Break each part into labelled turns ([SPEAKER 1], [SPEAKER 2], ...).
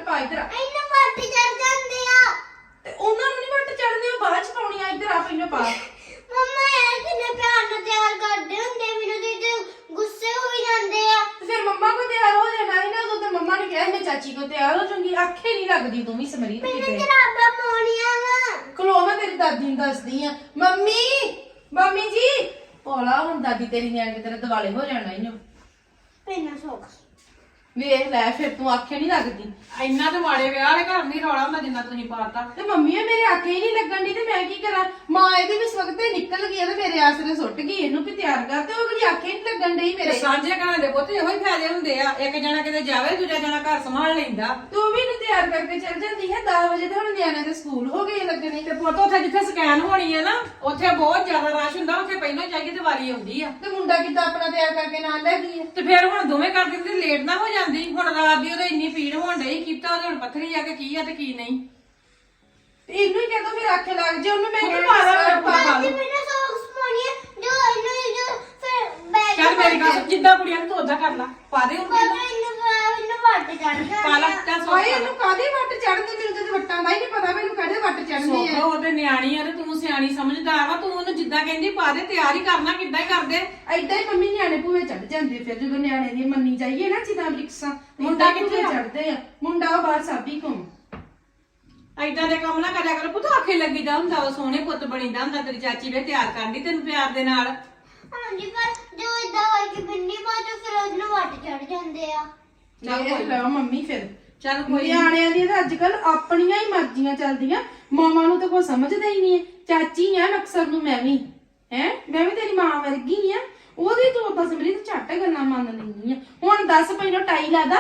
[SPEAKER 1] ਪਾ ਇਧਰ ਆ
[SPEAKER 2] ਇਹਨੂੰ ਵੱਟ ਚੜ ਜਾਂਦੇ ਆ
[SPEAKER 1] ਤੇ ਉਹਨਾਂ ਨੂੰ ਨਹੀਂ ਵੱਟ ਚੜਦੇ ਉਹ ਬਾਅਦ ਚ ਪਾਉਣੀ ਆ ਇਧਰ ਆ ਪਹਿਲਾਂ ਪਾ
[SPEAKER 2] ਮੰਮਾ ਯਾਰ ਕਿੰਨੇ ਪਿਆਰ ਨਾਲ ਤਿਆਰ ਕਰਦੇ ਹੁੰਦੇ ਮੈਨੂੰ ਤੇ ਗੁੱਸੇ ਹੋਈ ਜਾਂਦੇ ਆ
[SPEAKER 1] ਤੇ ਫਿਰ ਮੰਮਾ ਕੋ ਤਿਆਰ ਹੋ ਜਾਣਾ ਸੀ ਨਾ ਉਦੋਂ ਤੇ ਮੰਮਾ ਨੇ ਕਿਹਾ ਮੈਂ ਚਾਚੀ ਕੋ ਤਿਆਰ ਹੋ ਜਾਊਂਗੀ ਆਖੇ ਨਹੀਂ ਲੱਗਦੀ ਤੂੰ ਵੀ ਸਮਰੀਤ
[SPEAKER 2] ਮੈਨੂੰ
[SPEAKER 1] ਕਿਤੇ
[SPEAKER 2] ਜਰਾਬਾਂ ਪਾਉਣੀਆਂ ਵਾ
[SPEAKER 1] ਖਲੋ ਮੈਂ ਤੇਰੀ ਦਾਦੀ ਨੂੰ ਦੱਸਦੀ ਆ ਮੰਮੀ ਜੀ ਭੋਲਾ ਹੁਣ ਦਾਦੀ ਤੇਰੀ ਨੇ ਆ ਕੇ ਤੇਰੇ ਦਿਵਾਲੇ ਹੋ ਜਾਣਾ ਇਹਨੂੰ
[SPEAKER 2] ਪੈਨਾ ਸੌਕਸ
[SPEAKER 1] ਵੇਖ ਲੈ ਫਿਰ ਤੂੰ ਆਖੇ ਨਹੀਂ ਲੱਗਦੀ
[SPEAKER 3] ਇੰਨਾ ਤੇ ਮਾੜੇ ਵਿਆਹ ਵਾਲੇ ਘਰ ਨਹੀਂ ਰੌਲਾ ਹੁੰਦਾ ਜਿੰਨਾ ਤੁਸੀਂ ਪਾਤਾ
[SPEAKER 1] ਤੇ ਮੰਮੀ ਮੇਰੇ ਆਖੇ ਹੀ ਨਹੀਂ ਲੱਗਣ ਦੀ ਤੇ ਮੈਂ ਕੀ ਕਰਾਂ ਮਾਂ ਇਹਦੀ ਵੀ ਸਵਖਤ ਤੇ ਨਿਕਲ ਗਈ ਆ ਤੇ ਮੇਰੇ ਆਸਰੇ ਸੁੱਟ ਗਈ ਇਹਨੂੰ ਵੀ ਤਿਆਰ ਕਰ ਤੇ ਉਹ ਜਿਹੜੀ ਆਖੇ ਨਹੀਂ ਲੱਗਣ ਡਈ
[SPEAKER 3] ਤੇ
[SPEAKER 1] ਮੇਰੇ
[SPEAKER 3] ਸਾਂਝੇ ਘਰਾਂ ਦੇ ਪੁੱਤ ਇਹੋ ਹੀ ਫਾਇਦੇ ਹੁੰਦੇ ਆ ਇੱਕ ਜਣਾ ਕਿਤੇ ਜਾਵੇ ਦੂਜਾ ਜਣਾ ਘਰ ਸੰਭਾਲ ਲੈਂਦਾ
[SPEAKER 1] ਤੂੰ ਵੀ ਇਹਨੂੰ ਤਿਆਰ ਕਰਕੇ ਚੱਲ ਜਾਂਦੀ ਹੈ 10 ਵਜੇ ਤੇ ਹੁਣ ਨਿਆਣਿਆਂ ਦੇ ਸਕੂਲ ਹੋ ਗਏ ਲੱਗਣੇ
[SPEAKER 3] ਤੇ ਪੁੱਤ ਉੱਥੇ ਜਿੱਥੇ ਸਕੈਨ ਹੋਣੀ ਹੈ ਨਾ ਉੱਥੇ ਬਹੁਤ ਜ਼ਿਆਦਾ ਰਸ਼ ਹੁੰਦਾ ਉੱਥੇ ਪਹਿਲਾਂ ਜਾਈਏ ਤੇ ਵਾਰੀ ਆਉਂਦੀ ਆ
[SPEAKER 1] ਤੇ ਮੁੰਡਾ ਕਿੱਦਾਂ ਆਪਣਾ ਤਿਆਰ ਕਰਕੇ ਨਾਲ ਲੈ ਗਈ ਹੈ
[SPEAKER 3] ਤੇ ਫਿਰ ਹੁਣ ਦੋਵੇਂ ਕਰ ਦਿੰਦੇ ਲੇਟ ਨਾ ਹੋ ਜਾਂਦੀ ਹੁਣ ਰਾਤ ਦੀ ਉਹਦੇ ਇੰਨੀ ਪੀੜ ਹੋਣ ਡਈ ਕੀਤਾ ਉਹਦੇ ਹੁਣ ਪੱਥਰੀ ਆ ਕੇ ਕੀ ਆ ਤੇ ਕੀ ਨਹੀਂ
[SPEAKER 1] ਤੇ ਇਹਨੂੰ ਹੀ ਕਹਿੰਦਾ ਫਿਰ ਆਖੇ ਲੱਗ ਜਾ ਉਹਨੂੰ ਮੈਂ
[SPEAKER 3] ਉਹਨੂੰ
[SPEAKER 1] ਕਿਹਾ
[SPEAKER 3] ਮਾਰਾ
[SPEAKER 1] ਸਕਰਟ ਪਾ ਲਾ।
[SPEAKER 2] ਦਾਦੀ ਮੈਨੂੰ ਸੌਕਸ ਪਾਉਣੀ ਆ ਜੋ ਇਹਨੂੰ ਫਿਰ ਬੈਗ
[SPEAKER 3] ਚੱਲ ਮੇਰੀ ਗੱਲ ਸੁਣ, ਜਿੱਦਾਂ ਕੁੜੀਆਂ ਨੂੰ ਤੂੰ ਓਦਾਂ ਕਰ ਲਾ ਪਾ ਦੇ
[SPEAKER 2] ਕੋਲ
[SPEAKER 3] ਉਹਨੂੰ
[SPEAKER 2] ਇਹਨੂੰ ਵੱਟ ਚੜ
[SPEAKER 3] ਪਾ ਲਾ
[SPEAKER 2] ਜਾਂਦੇ ਆ
[SPEAKER 3] ਚੱਲ
[SPEAKER 1] ਓਏ
[SPEAKER 3] ਸੋਚ
[SPEAKER 1] ਇਹਨੂੰ ਕਾਹਦੇ ਵੱਟ ਚੜਦੇ ਮੈਨੂੰ ਤੇ ਵੱਟਾਂ ਦਾ ਹੀ ਨਹੀਂ ਪਤਾ ਮੈਨੂੰ ਕਾਹਦੇ ਵੱਟ ਚੜਨੇ ਆ
[SPEAKER 3] ਸੋਖੋ ਉਹਦੇ ਨਿਆਣੀ ਆ ਤੇ ਤੂੰ ਸਿਆਣੀ ਸਮਝਦਾਰ ਵਾ ਤੂੰ ਉਹਨੂੰ ਜਿੱਦਾਂ ਕਹਿੰਦੀ ਪਾ ਦੇ ਤਿਆਰ ਹੀ ਕਰਨਾ ਕਿੱਦਾਂ ਹੀ ਕਰਦੇ
[SPEAKER 1] ਐਦਾਂ ਹੀ ਮੰਮੀ ਨਿਆਣੇ ਭੂਵੇ ਚੜ ਜਾਂਦੇ ਫਿਰ ਜਦੋਂ ਨਿਆਣੇ ਦੀ ਮੰਨੀ ਜਾਈਏ ਨਾ ਜਿੱਦਾਂ ਰਿਕਸਾਂ
[SPEAKER 3] ਮੁੰਡਾ ਕਿੱਥੇ ਆ?
[SPEAKER 1] ਚੜਦੇ ਆ ਮੁੰਡਾ ਉਹ ਬਾਹਰ ਸਾਬੀ ਘੁੰਮ
[SPEAKER 3] ਐਦਾਂ ਦੇ ਕੰਮ ਨਾ ਕਰਿਆ ਕਰੋ ਪੁੱਤ ਆਖੇ ਲੱਗੀਦਾ ਹੁੰਦਾ ਉਹ ਸੋਹਣੇ ਪੁੱਤ ਬਣੀਦਾ ਹੁੰਦਾ ਤੇਰੀ ਚਾਚੀ ਵੇ ਤਿਆਰ ਕਰਦੀ ਤੈਨੂੰ ਪਿਆਰ ਦੇ ਨਾਲ
[SPEAKER 2] ਹਾਂਜੀ ਪਰ ਜੋ ਇਦਾਂ ਕਰਕੇ ਬਿੰਨੀ ਬਾਜੋ ਫਿਰ ਉਹਨੂੰ ਵੱਟ ਚੜ ਜਾਂਦੇ ਆ
[SPEAKER 1] ਚੱਲ ਲਓ ਮੰਮੀ ਫਿਰ
[SPEAKER 3] ਚੱਲ ਕੋਈ
[SPEAKER 1] ਨਿਆਣਿਆਂ ਦੀਆਂ ਤਾਂ ਅੱਜਕੱਲ ਆਪਣੀਆਂ ਹੀ ਮਰਜ਼ੀਆਂ ਚੱਲਦੀਆਂ ਮਾਵਾਂ ਨੂੰ ਤਾਂ ਕੋਈ ਸਮਝਦਾ ਹੀ ਨਹੀਂ ਹੈ ਚਾਚੀ ਆ ਅਕਸਰ ਨੂੰ ਮੈਂ ਵੀ ਮੈਂ ਵੀ ਤੇਰੀ ਮਾਂ ਵਰਗੀ ਆ ਉਹਦੀ ਤੂੰ ਤਾਂ ਸਮਰੀਤ ਝੱਟ ਗੱਲਾਂ ਮੰਨ ਲੈਂਦੀ ਆ ਹੁਣ ਦੱਸ ਪਹਿਲਾਂ ਟਾਈ ਲਾਦਾ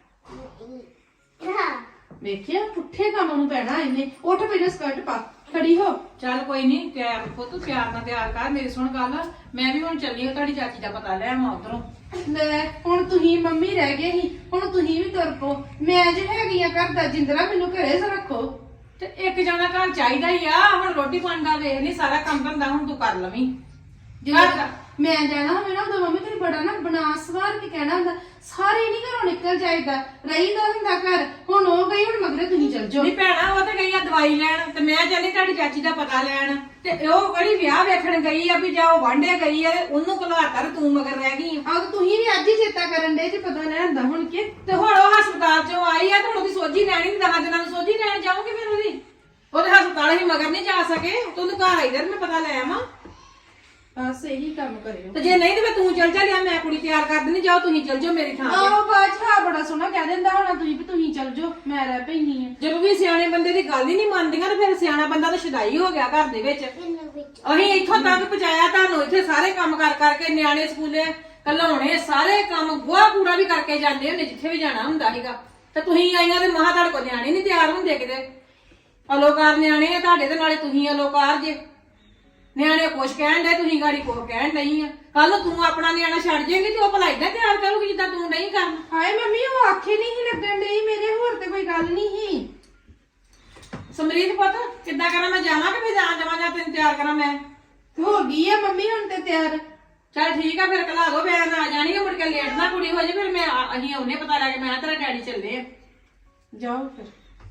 [SPEAKER 2] ਹਾਂ
[SPEAKER 1] ਵੇਖਿਆ ਪੁੱਠੇ ਕੰਮ ਨੂੰ ਪੈਣਾ ਇਹਨੇ ਉੱਠ ਪਹਿਲਾਂ ਸਕਰਟ ਪਾ ਖੜੀ ਹੋ
[SPEAKER 3] ਚੱਲ ਕੋਈ ਨਹੀਂ ਤਿਆਰ ਪੁੱਤ ਪਿਆਰ ਨਾਲ ਤਿਆਰ ਕਰ ਮੇਰੀ ਸੁਣ ਗੱਲ ਮੈਂ ਵੀ ਹੁਣ ਚੱਲੀ ਹਾਂ ਤੁਹਾਡੀ ਚਾਚੀ ਦਾ ਪਤਾ ਲੈ ਆਵਾਂ ਉਧਰੋਂ
[SPEAKER 1] ਲੈ ਹੁਣ ਤੁਸੀਂ ਮੰਮੀ ਰਹਿ ਗਏ ਸੀ ਹੁਣ ਤੁਸੀਂ ਵੀ ਤੁਰ ਪੋ ਮੈਂ ਜੇ ਹੈਗੀ ਆ ਘਰ ਦਾ ਜਿੰਦਰਾ ਮੈਨੂੰ ਘਰੇ ਰੱਖੋ
[SPEAKER 3] ਤੇ ਇੱਕ ਜਣਾ ਘਰ ਚਾਹੀਦਾ ਹੀ ਆ ਹੁਣ ਰੋਟੀ ਪਾਣੀ ਦਾ ਵੇਖ ਨਹੀਂ ਸਾਰਾ ਕੰਮ ਧੰਦਾ ਹੁਣ ਤੂੰ ਕਰ ਲਵੀਂ
[SPEAKER 1] ਜਦੋਂ ਮੈਂ ਜਾਣਾ ਹੋਵੇ ਨਾ ਉਦੋਂ ਮੰਮੀ ਤੈਨੂੰ ਬੜਾ ਨਾ ਬਣਾ ਸਵਾਰ ਕੇ ਕਹਿਣਾ ਹੁੰਦਾ ਸਾਰੇ ਨਹੀਂ ਘਰੋਂ ਨਿਕਲ ਜਾਏਗਾ ਰਹੀਦਾ ਹੁੰਦਾ ਘਰ ਹੁਣ ਉਹ ਗਈ ਹੁਣ ਮਗਰੇ ਤੁਸੀਂ ਚੱਲ ਜਾਓ
[SPEAKER 3] ਨਹੀਂ ਭੈਣਾ ਉਹ ਤਾਂ ਗਈ ਆ ਦਵਾਈ ਲੈਣ ਤੇ ਮੈਂ ਚੱਲੀ ਤੁਹਾਡੀ ਚਾਚੀ ਦਾ ਪਤਾ ਲੈਣ ਤੇ ਉਹ ਕਿਹੜੀ ਵਿਆਹ ਵੇਖਣ ਗਈ ਆ ਵੀ ਜਾ ਉਹ ਵਾਂਢੇ ਗਈ ਆ ਤੇ ਉਹਨੂੰ ਘਲਾਤਾ ਤੇ ਤੂੰ ਮਗਰ ਰਹਿ ਗਈ ਆ
[SPEAKER 1] ਆਹ ਤੁਸੀਂ ਵੀ ਅੱਜ ਹੀ ਚੇਤਾ ਕਰਨ ਦੇ ਜੇ ਪਤਾ ਲੈਂਦਾ ਹੁਣ ਕਿ
[SPEAKER 3] ਤੇ ਹੁਣ ਉਹ ਹਸਪਤਾਲ ਚੋਂ ਆਈ ਆ ਤੇ ਹੁਣ ਉਹਦੀ ਸੋਝੀ ਲੈਣੀ ਨਹੀਂ 10 ਦਿਨਾਂ ਨੂੰ ਸੋਝੀ ਲੈਣ ਜਾਊਂਗੀ ਫਿਰ ਉਹਦੇ ਹਸਪਤਾਲ ਹੀ ਮਗਰ ਨਹੀਂ ਜਾ ਸਕੇ ਤੂੰ ਉਹਨੂੰ ਘਰ ਆਈ ਦਰ ਮੈਂ ਪਤਾ ਲੈ ਆਵਾਂ
[SPEAKER 1] ਬਸ ਇਹੀ ਕੰਮ ਕਰਿਓ
[SPEAKER 3] ਤੇ ਜੇ ਨਹੀਂ ਤੇ ਫਿਰ ਤੂੰ ਚੱਲ ਜਾ ਲਿਆ ਮੈਂ ਕੁੜੀ ਤਿਆਰ ਕਰ ਦਿੰਦੀ ਜਾਓ ਤੁਸੀਂ ਚੱਲ ਜਾਓ ਮੇਰੀ ਥਾਂ ਤੇ
[SPEAKER 1] ਆਹੋ ਬਾਜਾ ਬੜਾ ਸੋਹਣਾ ਕਹਿ ਦਿੰਦਾ ਹੋਣਾ ਤੁਸੀਂ ਵੀ ਤੁਸੀਂ ਚੱਲ ਜਾਓ ਮੈਂ ਰਹਿ ਪੈਣੀ ਆ
[SPEAKER 3] ਜਦੋਂ ਵੀ ਸਿਆਣੇ ਬੰਦੇ ਦੀ ਗੱਲ ਹੀ ਨਹੀਂ ਮੰਨਦੀਆਂ ਤੇ ਫਿਰ ਸਿਆਣਾ ਬੰਦਾ ਤਾਂ ਸ਼ੁਦਾਈ ਹੋ ਗਿਆ ਘਰ ਦੇ ਵਿੱਚ
[SPEAKER 2] ਇਹਨੂੰ ਵਿੱਚ
[SPEAKER 3] ਅਸੀਂ ਇੱਥੋਂ ਤੱਕ ਪਹੁੰਚਾਇਆ ਤੁਹਾਨੂੰ ਇੱਥੇ ਸਾਰੇ ਕੰਮ ਕਰ ਕਰਕੇ ਨਿਆਣੇ ਸਕੂਲੇ ਘਲਾਉਣੇ ਸਾਰੇ ਕੰਮ ਗੋਹਾ ਕੂੜਾ ਵੀ ਕਰਕੇ ਜਾਂਦੇ ਹੁੰਦੇ ਜਿੱਥੇ ਵੀ ਜਾਣਾ ਹੁੰਦਾ ਸੀਗਾ ਤੇ ਤੁਸੀਂ ਆਈਆਂ ਤੇ ਮਹਾ ਤੁਹਾਡੇ ਕੋਲ ਨਿਆਣੇ ਨਹੀਂ ਤਿਆਰ ਹੁੰਦੇ ਕਿਤੇ ਅਲੋਕਾਰ ਨਿਆਣੇ ਆ ਤੁਹਾਡੇ ਤੇ ਨਾਲੇ ਤੁਸੀਂ ਅਲੋਕਾਰ ਜੇ ਨਿਆਣੇ ਕੁਛ ਕਹਿਣ ਦੇ ਤੁਸੀਂ ਗਾੜੀ ਕੁਛ ਕਹਿਣ ਨਹੀਂ ਆ ਕੱਲ ਤੂੰ ਆਪਣਾ ਨਿਆਣਾ ਛੱਡ ਜਾਏਂਗੀ ਤੇ ਉਹ ਭਲਾਈ ਦਾ ਤਿਆਰ ਕਰੂਗੀ ਜਿੱਦਾਂ ਤੂੰ ਨਹੀਂ ਕਰਨਾ
[SPEAKER 1] ਹਾਏ ਮੰਮੀ ਉਹ ਆਖੇ ਨਹੀਂ ਸੀ ਲੱਗਣ ਡਈ ਮੇਰੇ ਹੋਰ ਤੇ ਕੋਈ ਗੱਲ ਨਹੀਂ ਸੀ
[SPEAKER 3] ਸਮਰੀਤ ਪੁੱਤ ਕਿੱਦਾਂ ਕਰਾਂ ਮੈਂ ਜਾਵਾਂ ਕਿ ਫਿਰ ਜਾਵਾਂ ਜਾਂ ਤੈਨੂੰ ਤਿਆਰ ਕਰਾਂ ਮੈਂ
[SPEAKER 1] ਹੋ ਗਈ ਆ ਮੰਮੀ ਹੁਣ ਤੇ ਤਿਆਰ
[SPEAKER 3] ਚੱਲ ਠੀਕ ਆ ਫਿਰ ਕਲਾ ਦੋ ਮੈਂ ਆ ਜਾਣੀ ਆ ਮੁੜ ਕੇ ਲੇਟ ਨਾ ਕੁੜੀ ਹੋ ਜੇ ਫਿਰ ਮੈਂ ਅਸੀਂ ਆਉਨੇ ਪਤਾ ਲੱਗ ਮੈਂ ਤੇਰਾ ਡੈਡੀ ਚੱਲੇ ਆ
[SPEAKER 1] ਜਾਓ ਫਿਰ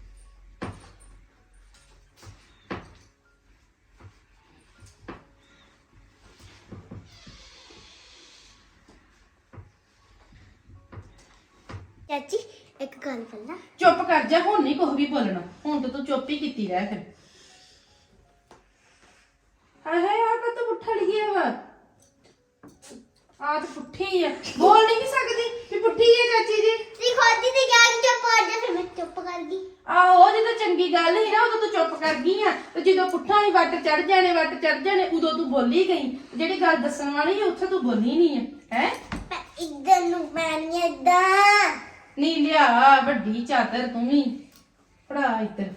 [SPEAKER 2] ਚਾਚੀ ਇੱਕ ਗੱਲ ਬੋਲਾਂ
[SPEAKER 1] ਚੁੱਪ ਕਰ ਜਾ ਹੁਣ ਨਹੀਂ ਕੁਝ ਵੀ ਬੋਲਣਾ ਹੁਣ ਤਾਂ ਤੂੰ ਚੁੱਪ ਹੀ ਕੀਤੀ ਰਹਿ ਫਿਰ ਹਾਏ ਹਾਏ ਆ ਕਾ ਤੂੰ ਪੁੱਠਾ ਲਿਆ ਵਾ ਆ ਤਾਂ ਪੁੱਠੀ ਆ ਬੋਲ ਨਹੀਂ ਸਕਦੀ ਵੀ ਪੁੱਠੀ ਹੈ ਚਾਚੀ ਜੀ
[SPEAKER 2] ਤੀ ਖੋਦੀ ਤੇ ਜਾ ਕੇ ਚੁੱਪ ਕਰ ਜਾ ਫਿਰ ਮੈਂ ਚੁੱਪ ਕਰ ਗਈ
[SPEAKER 1] ਆ ਉਹ ਜਦੋਂ ਚੰਗੀ ਗੱਲ ਸੀ ਨਾ ਉਦੋਂ ਤੂੰ ਚੁੱਪ ਕਰ ਗਈ ਆ ਤੇ ਜਦੋਂ ਪੁੱਠਾ ਹੀ ਵੱਟ ਚੜ ਜਾਣੇ ਉਦੋਂ ਤੂੰ ਬੋਲੀ ਗਈ ਜਿਹੜੀ ਗੱਲ ਦੱਸਣ ਵਾਲੀ ਸੀ ਉੱਥੇ ਤੂੰ ਬੋਲੀ ਨਹੀਂ ਹੈ
[SPEAKER 2] ਮੈਂ ਇੱਧਰ ਨੂੰ ਮੈਂ ਨਹੀਂ ਏਦਾਂ
[SPEAKER 1] ਨਹੀਂ ਲਿਆ ਵੱਡੀ ਚਾਦਰ ਤੂੰ ਵੀ ਪੜਾ ਇੱਧਰ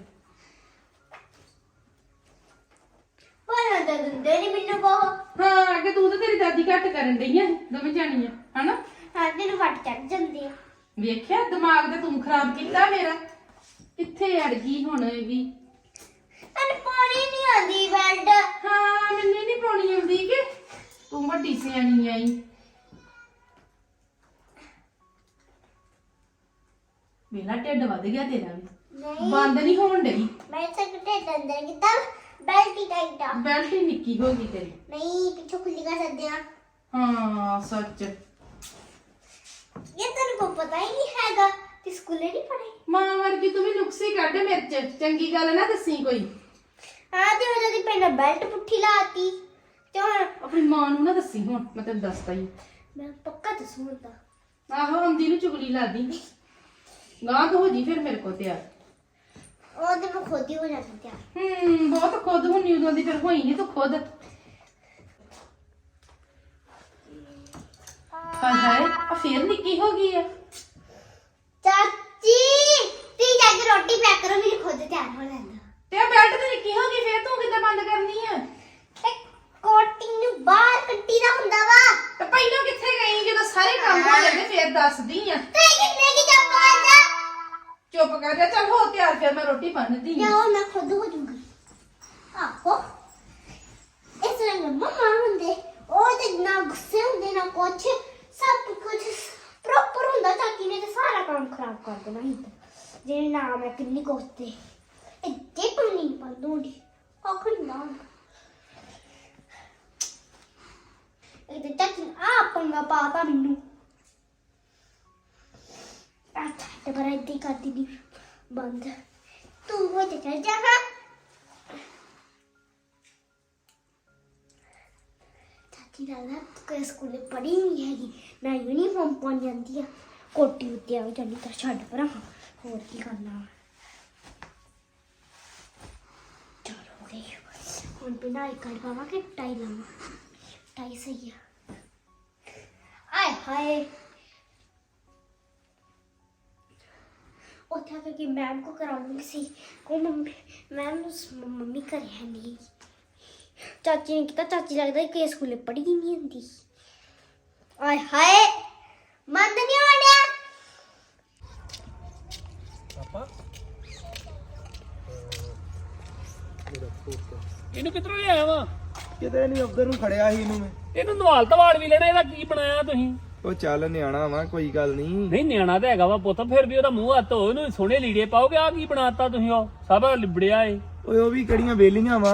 [SPEAKER 2] ਪਰ ਤਾਂ ਦਿੰਦੇ ਨਹੀਂ ਮੈਨੂੰ ਬਹੁਤ
[SPEAKER 1] ਹਾਂ ਅੱਗੇ ਤੂੰ ਤਾਂ ਤੇਰੀ ਦਾਦੀ ਘੱਟ ਕਰਨ ਡਈ ਆ ਦੋਵੇਂ ਜਾਣੀਆਂ ਹਨਾ
[SPEAKER 2] ਹਾਂ ਤੈਨੂੰ ਵੱਟ ਚੜ ਜਾਂਦੀ ਆ
[SPEAKER 1] ਵੇਖਿਆ ਦਿਮਾਗ ਤੇ ਤੂੰ ਖਰਾਬ ਕੀਤਾ ਮੇਰਾ ਕਿੱਥੇ ਅੜ ਗਈ ਹੁਣ ਇਹ ਵੀ
[SPEAKER 2] ਤੈਨੂੰ ਪਾਣੀ ਨਹੀਂ ਆਉਂਦੀ ਬੈਡ
[SPEAKER 1] ਹਾਂ ਮੈਨੂੰ ਨਹੀਂ ਪਾਉਣੀ ਆਉਂਦੀ ਕਿ ਤੂੰ ਵੱਡੀ ਸਿਆਣੀ ਆਈ ਮੇਰਾ ਢਿੱਡ ਵੱਧ ਗਿਆ ਤੇਰਾ ਵੀ
[SPEAKER 2] ਨਹੀਂ
[SPEAKER 1] ਬੰਦ ਨਹੀਂ ਹੋਣ ਡਈ
[SPEAKER 2] ਮੈਂ ਸਕਤੇ ਅੰਦਰ ਕਿਦਾਂ ਬੈਲਟ ਹੀ ਟਾਈਟ ਆ
[SPEAKER 1] ਬੈਲਟ ਹੀ ਨਿੱਕੀ ਹੋ ਗਈ ਤੇਰੀ
[SPEAKER 2] ਨਹੀਂ ਪਿੱਛੋਂ ਖੁੱਲੀ ਕਰ ਸਕਦੇ ਆ
[SPEAKER 1] ਹਾਂ ਸੱਚ
[SPEAKER 2] ਇਹ ਤੈਨੂੰ ਕੋ ਪਤਾ ਹੀ ਨਹੀਂ ਹੈਗਾ ਕਿ ਸਕੂਲੇ ਨਹੀਂ ਪੜ੍ਹੇ
[SPEAKER 1] ਮਾਂ ਵਰਗੀ ਤੂੰ ਵੀ ਨੁਕਸੇ ਕੱਢ ਮਿਰਚ ਚੰਗੀ ਗੱਲ ਨਾ ਦੱਸੀ ਕੋਈ
[SPEAKER 2] ਹਾਂ ਤੇ ਉਹਦੀ ਪਹਿਲਾਂ ਬੈਲਟ ਪੁੱਠੀ ਲਾਤੀ ਤੇ ਹੁਣ
[SPEAKER 1] ਆਪਣੀ ਮਾਂ ਨੂੰ ਨਾ ਦੱਸੀ ਹੁਣ ਮੈਂ ਤੈਨੂੰ ਦੱਸਦਾ ਹੀ
[SPEAKER 2] ਮੈਂ ਪੱਕਾ ਦੱਸੂੰਗਾ
[SPEAKER 1] ਆਹੋ ਆਉਂਦੀ ਨੂੰ ਚੁਗਲੀ ਲਾਦੀ ਗਾਂ ਤੋਂ ਹੋ ਜੀ ਫਿਰ ਮੇਰੇ ਕੋ ਤਿਆਰ
[SPEAKER 2] ਉਹ ਤੇ ਮੈਂ ਖੁਦ ਹੀ ਹੋ ਜਾਂਦੀ ਤਿਆਰ
[SPEAKER 1] ਬਹੁਤ ਖੁਦ ਹੁੰਨੀ ਉਦੋਂ ਦੀ ਫਿਰ ਹੋਈ ਨਹੀਂ ਤੂੰ ਖੁਦ ਹਾਏ ਹਾਏ ਆ ਫੇਰ ਨਿੱਕੀ ਹੋ ਗਈ ਆ
[SPEAKER 2] ਚਾਚੀ ਤੀ ਜਾ ਕੇ ਰੋਟੀ ਪੈਕ ਕਰੋ ਮੇਰੀ ਖੁਦ ਤਿਆਰ ਹੋ ਲੈਂਦਾ
[SPEAKER 1] ਤੇ ਆ ਬੈਲਟ ਤੇ ਨਿੱਕੀ ਹੋ ਗਈ ਫੇਰ ਤੂੰ ਕਿੱਦਾਂ ਬੰਦ ਕਰਨੀ ਆ
[SPEAKER 2] ਕੋਟਿੰਗ ਨੂੰ ਬਾਹਰ ਕੱਢੀ ਦਾ ਹੁੰਦਾ ਵਾ
[SPEAKER 1] ਤੇ ਪਹਿਲਾਂ ਕਿੱਥੇ ਗਈ ਜਦੋਂ ਸਾਰੇ ਕੰਮ ਹੋ ਜਾਂਦੇ ਫੇਰ ਦੱਸਦੀ ਆ
[SPEAKER 2] ਤੇ ਕਿੰਨੇ ਕੀ ਚੱਪਾ ਆਂਦਾ
[SPEAKER 1] ਚੁੱਪ ਕਰ ਜਾ ਚੱਲ ਹੋ ਤਿਆਰ ਫਿਰ ਮੈਂ ਰੋਟੀ ਬੰਨਦੀ ਆ
[SPEAKER 2] ਜਾਓ ਮੈਂ ਖੁਦ ਹੋ ਜੂੰਗੀ ਆਹੋ ਇਸ ਤਰ੍ਹਾਂ ਮਮਾ ਹੁੰਦੇ ਉਹ ਤੇ ਨਾ ਗੁੱਸੇ ਹੁੰਦੇ ਨਾ ਕੁਛ ਸਭ ਕੁਝ ਪ੍ਰੋਪਰ ਹੁੰਦਾ ਚਾਚੀ ਨੇ ਤੇ ਸਾਰਾ ਕੰਮ ਖਰਾਬ ਕਰ ਦੇਣਾ ਸੀ ਜੇ ਨਾ ਮੈਂ ਕਿੰਨੀ ਕੋਸਤੇ ਇੱਥੇ ਪਾਣੀ ਪਾ ਦੂੰਗੀ ਆਖਰੀ ਨਾ ਇਹ ਤੇ ਚਾਚੀ ਆ ਪੰਗਾ ਪਾਤਾ ਮੈਨੂੰ ਅੱਛਾ ਤੇ ਪਰ ਇੱਥੇ ਕਰਦੀ ਨਹੀਂ ਬੰਦ ਤੂੰ ਹੋ ਤੇ ਚੱਲ ਜਾ ਹਾਂ ਚਾਚੀ ਨਾਲ ਕੋਈ ਸਕੂਲੇ ਪੜ੍ਹੀ ਨਹੀਂ ਹੈਗੀ ਨਾ ਯੂਨੀਫਾਰਮ ਪਾਉਣ ਜਾਂਦੀ ਆ ਕੋਟੀ ਉੱਤੇ ਆ ਜਾਂਦੀ ਤਾਂ ਛੱਡ ਪਰਾਂ ਹੋਰ ਕੀ ਕਰਨਾ ਚਲੋ ਹੋ ਗਈ ਹੁਣ ਬਿਨਾਂ ਇੱਕ ਕਰ ਪਾਵਾਂ ਕਿ ਟਾਈ ਲਾਵਾਂ ਟਾਈ ਸਹੀ ਆ ਆਏ ਹਾਏ ਉੱਥੇ ਆ ਕੇ ਮੈਮ ਕੋ ਕਰਾਉਂਗੀ ਸੀ ਉਹ ਮੰਮੀ ਘਰੇ ਹੈ ਨਹੀਂ ਚਾਚੀ ਨੇ ਕੀਤਾ ਚਾਚੀ ਲੱਗਦਾ ਕਿ ਸਕੂਲੇ ਪੜ੍ਹੀ ਹੀ ਨਹੀਂ ਹੁੰਦੀ ਆਏ ਹਾਏ ਮੰਦ ਨਹੀਂ ਆੜਿਆ
[SPEAKER 4] ਪਾਪਾ ਇਹਨੂੰ ਕਿੱਧਰੋਂ ਲਿਆਇਆ ਵਾ
[SPEAKER 5] ਕਿਤੇ ਨਹੀਂ ਉਧਰ ਨੂੰ ਖੜਿਆ ਸੀ ਇਹਨੂੰ ਮੈਂ
[SPEAKER 4] ਇਹਨੂੰ ਨਵਾਲ ਤਵਾਲ ਵੀ ਲੈਣਾ ਇਹਦਾ ਕੀ ਬਣਾਇਆ ਤੁਸੀਂ
[SPEAKER 5] ਉਹ ਚੱਲ ਨਿਆਣਾ ਵਾ ਕੋਈ ਗੱਲ ਨਹੀਂ
[SPEAKER 4] ਨਹੀਂ ਨਿਆਣਾ ਤਾਂ ਹੈਗਾ ਵਾ ਪੁੱਤ ਫਿਰ ਵੀ ਉਹਦਾ ਮੂੰਹ ਹੱਥ ਧੋ ਇਹਨੂੰ ਸੋਹਣੇ ਲੀੜੇ ਪਾਓਗੇ ਆ ਕੀ ਬਣਾਤਾ ਤੁਸੀਂ ਉਹ ਸਭ ਲਿਬੜਿਆ ਏ
[SPEAKER 5] ਓਏ ਉਹ ਵੀ ਕਿਹੜੀਆਂ ਵੇਲੀਆਂ ਵਾ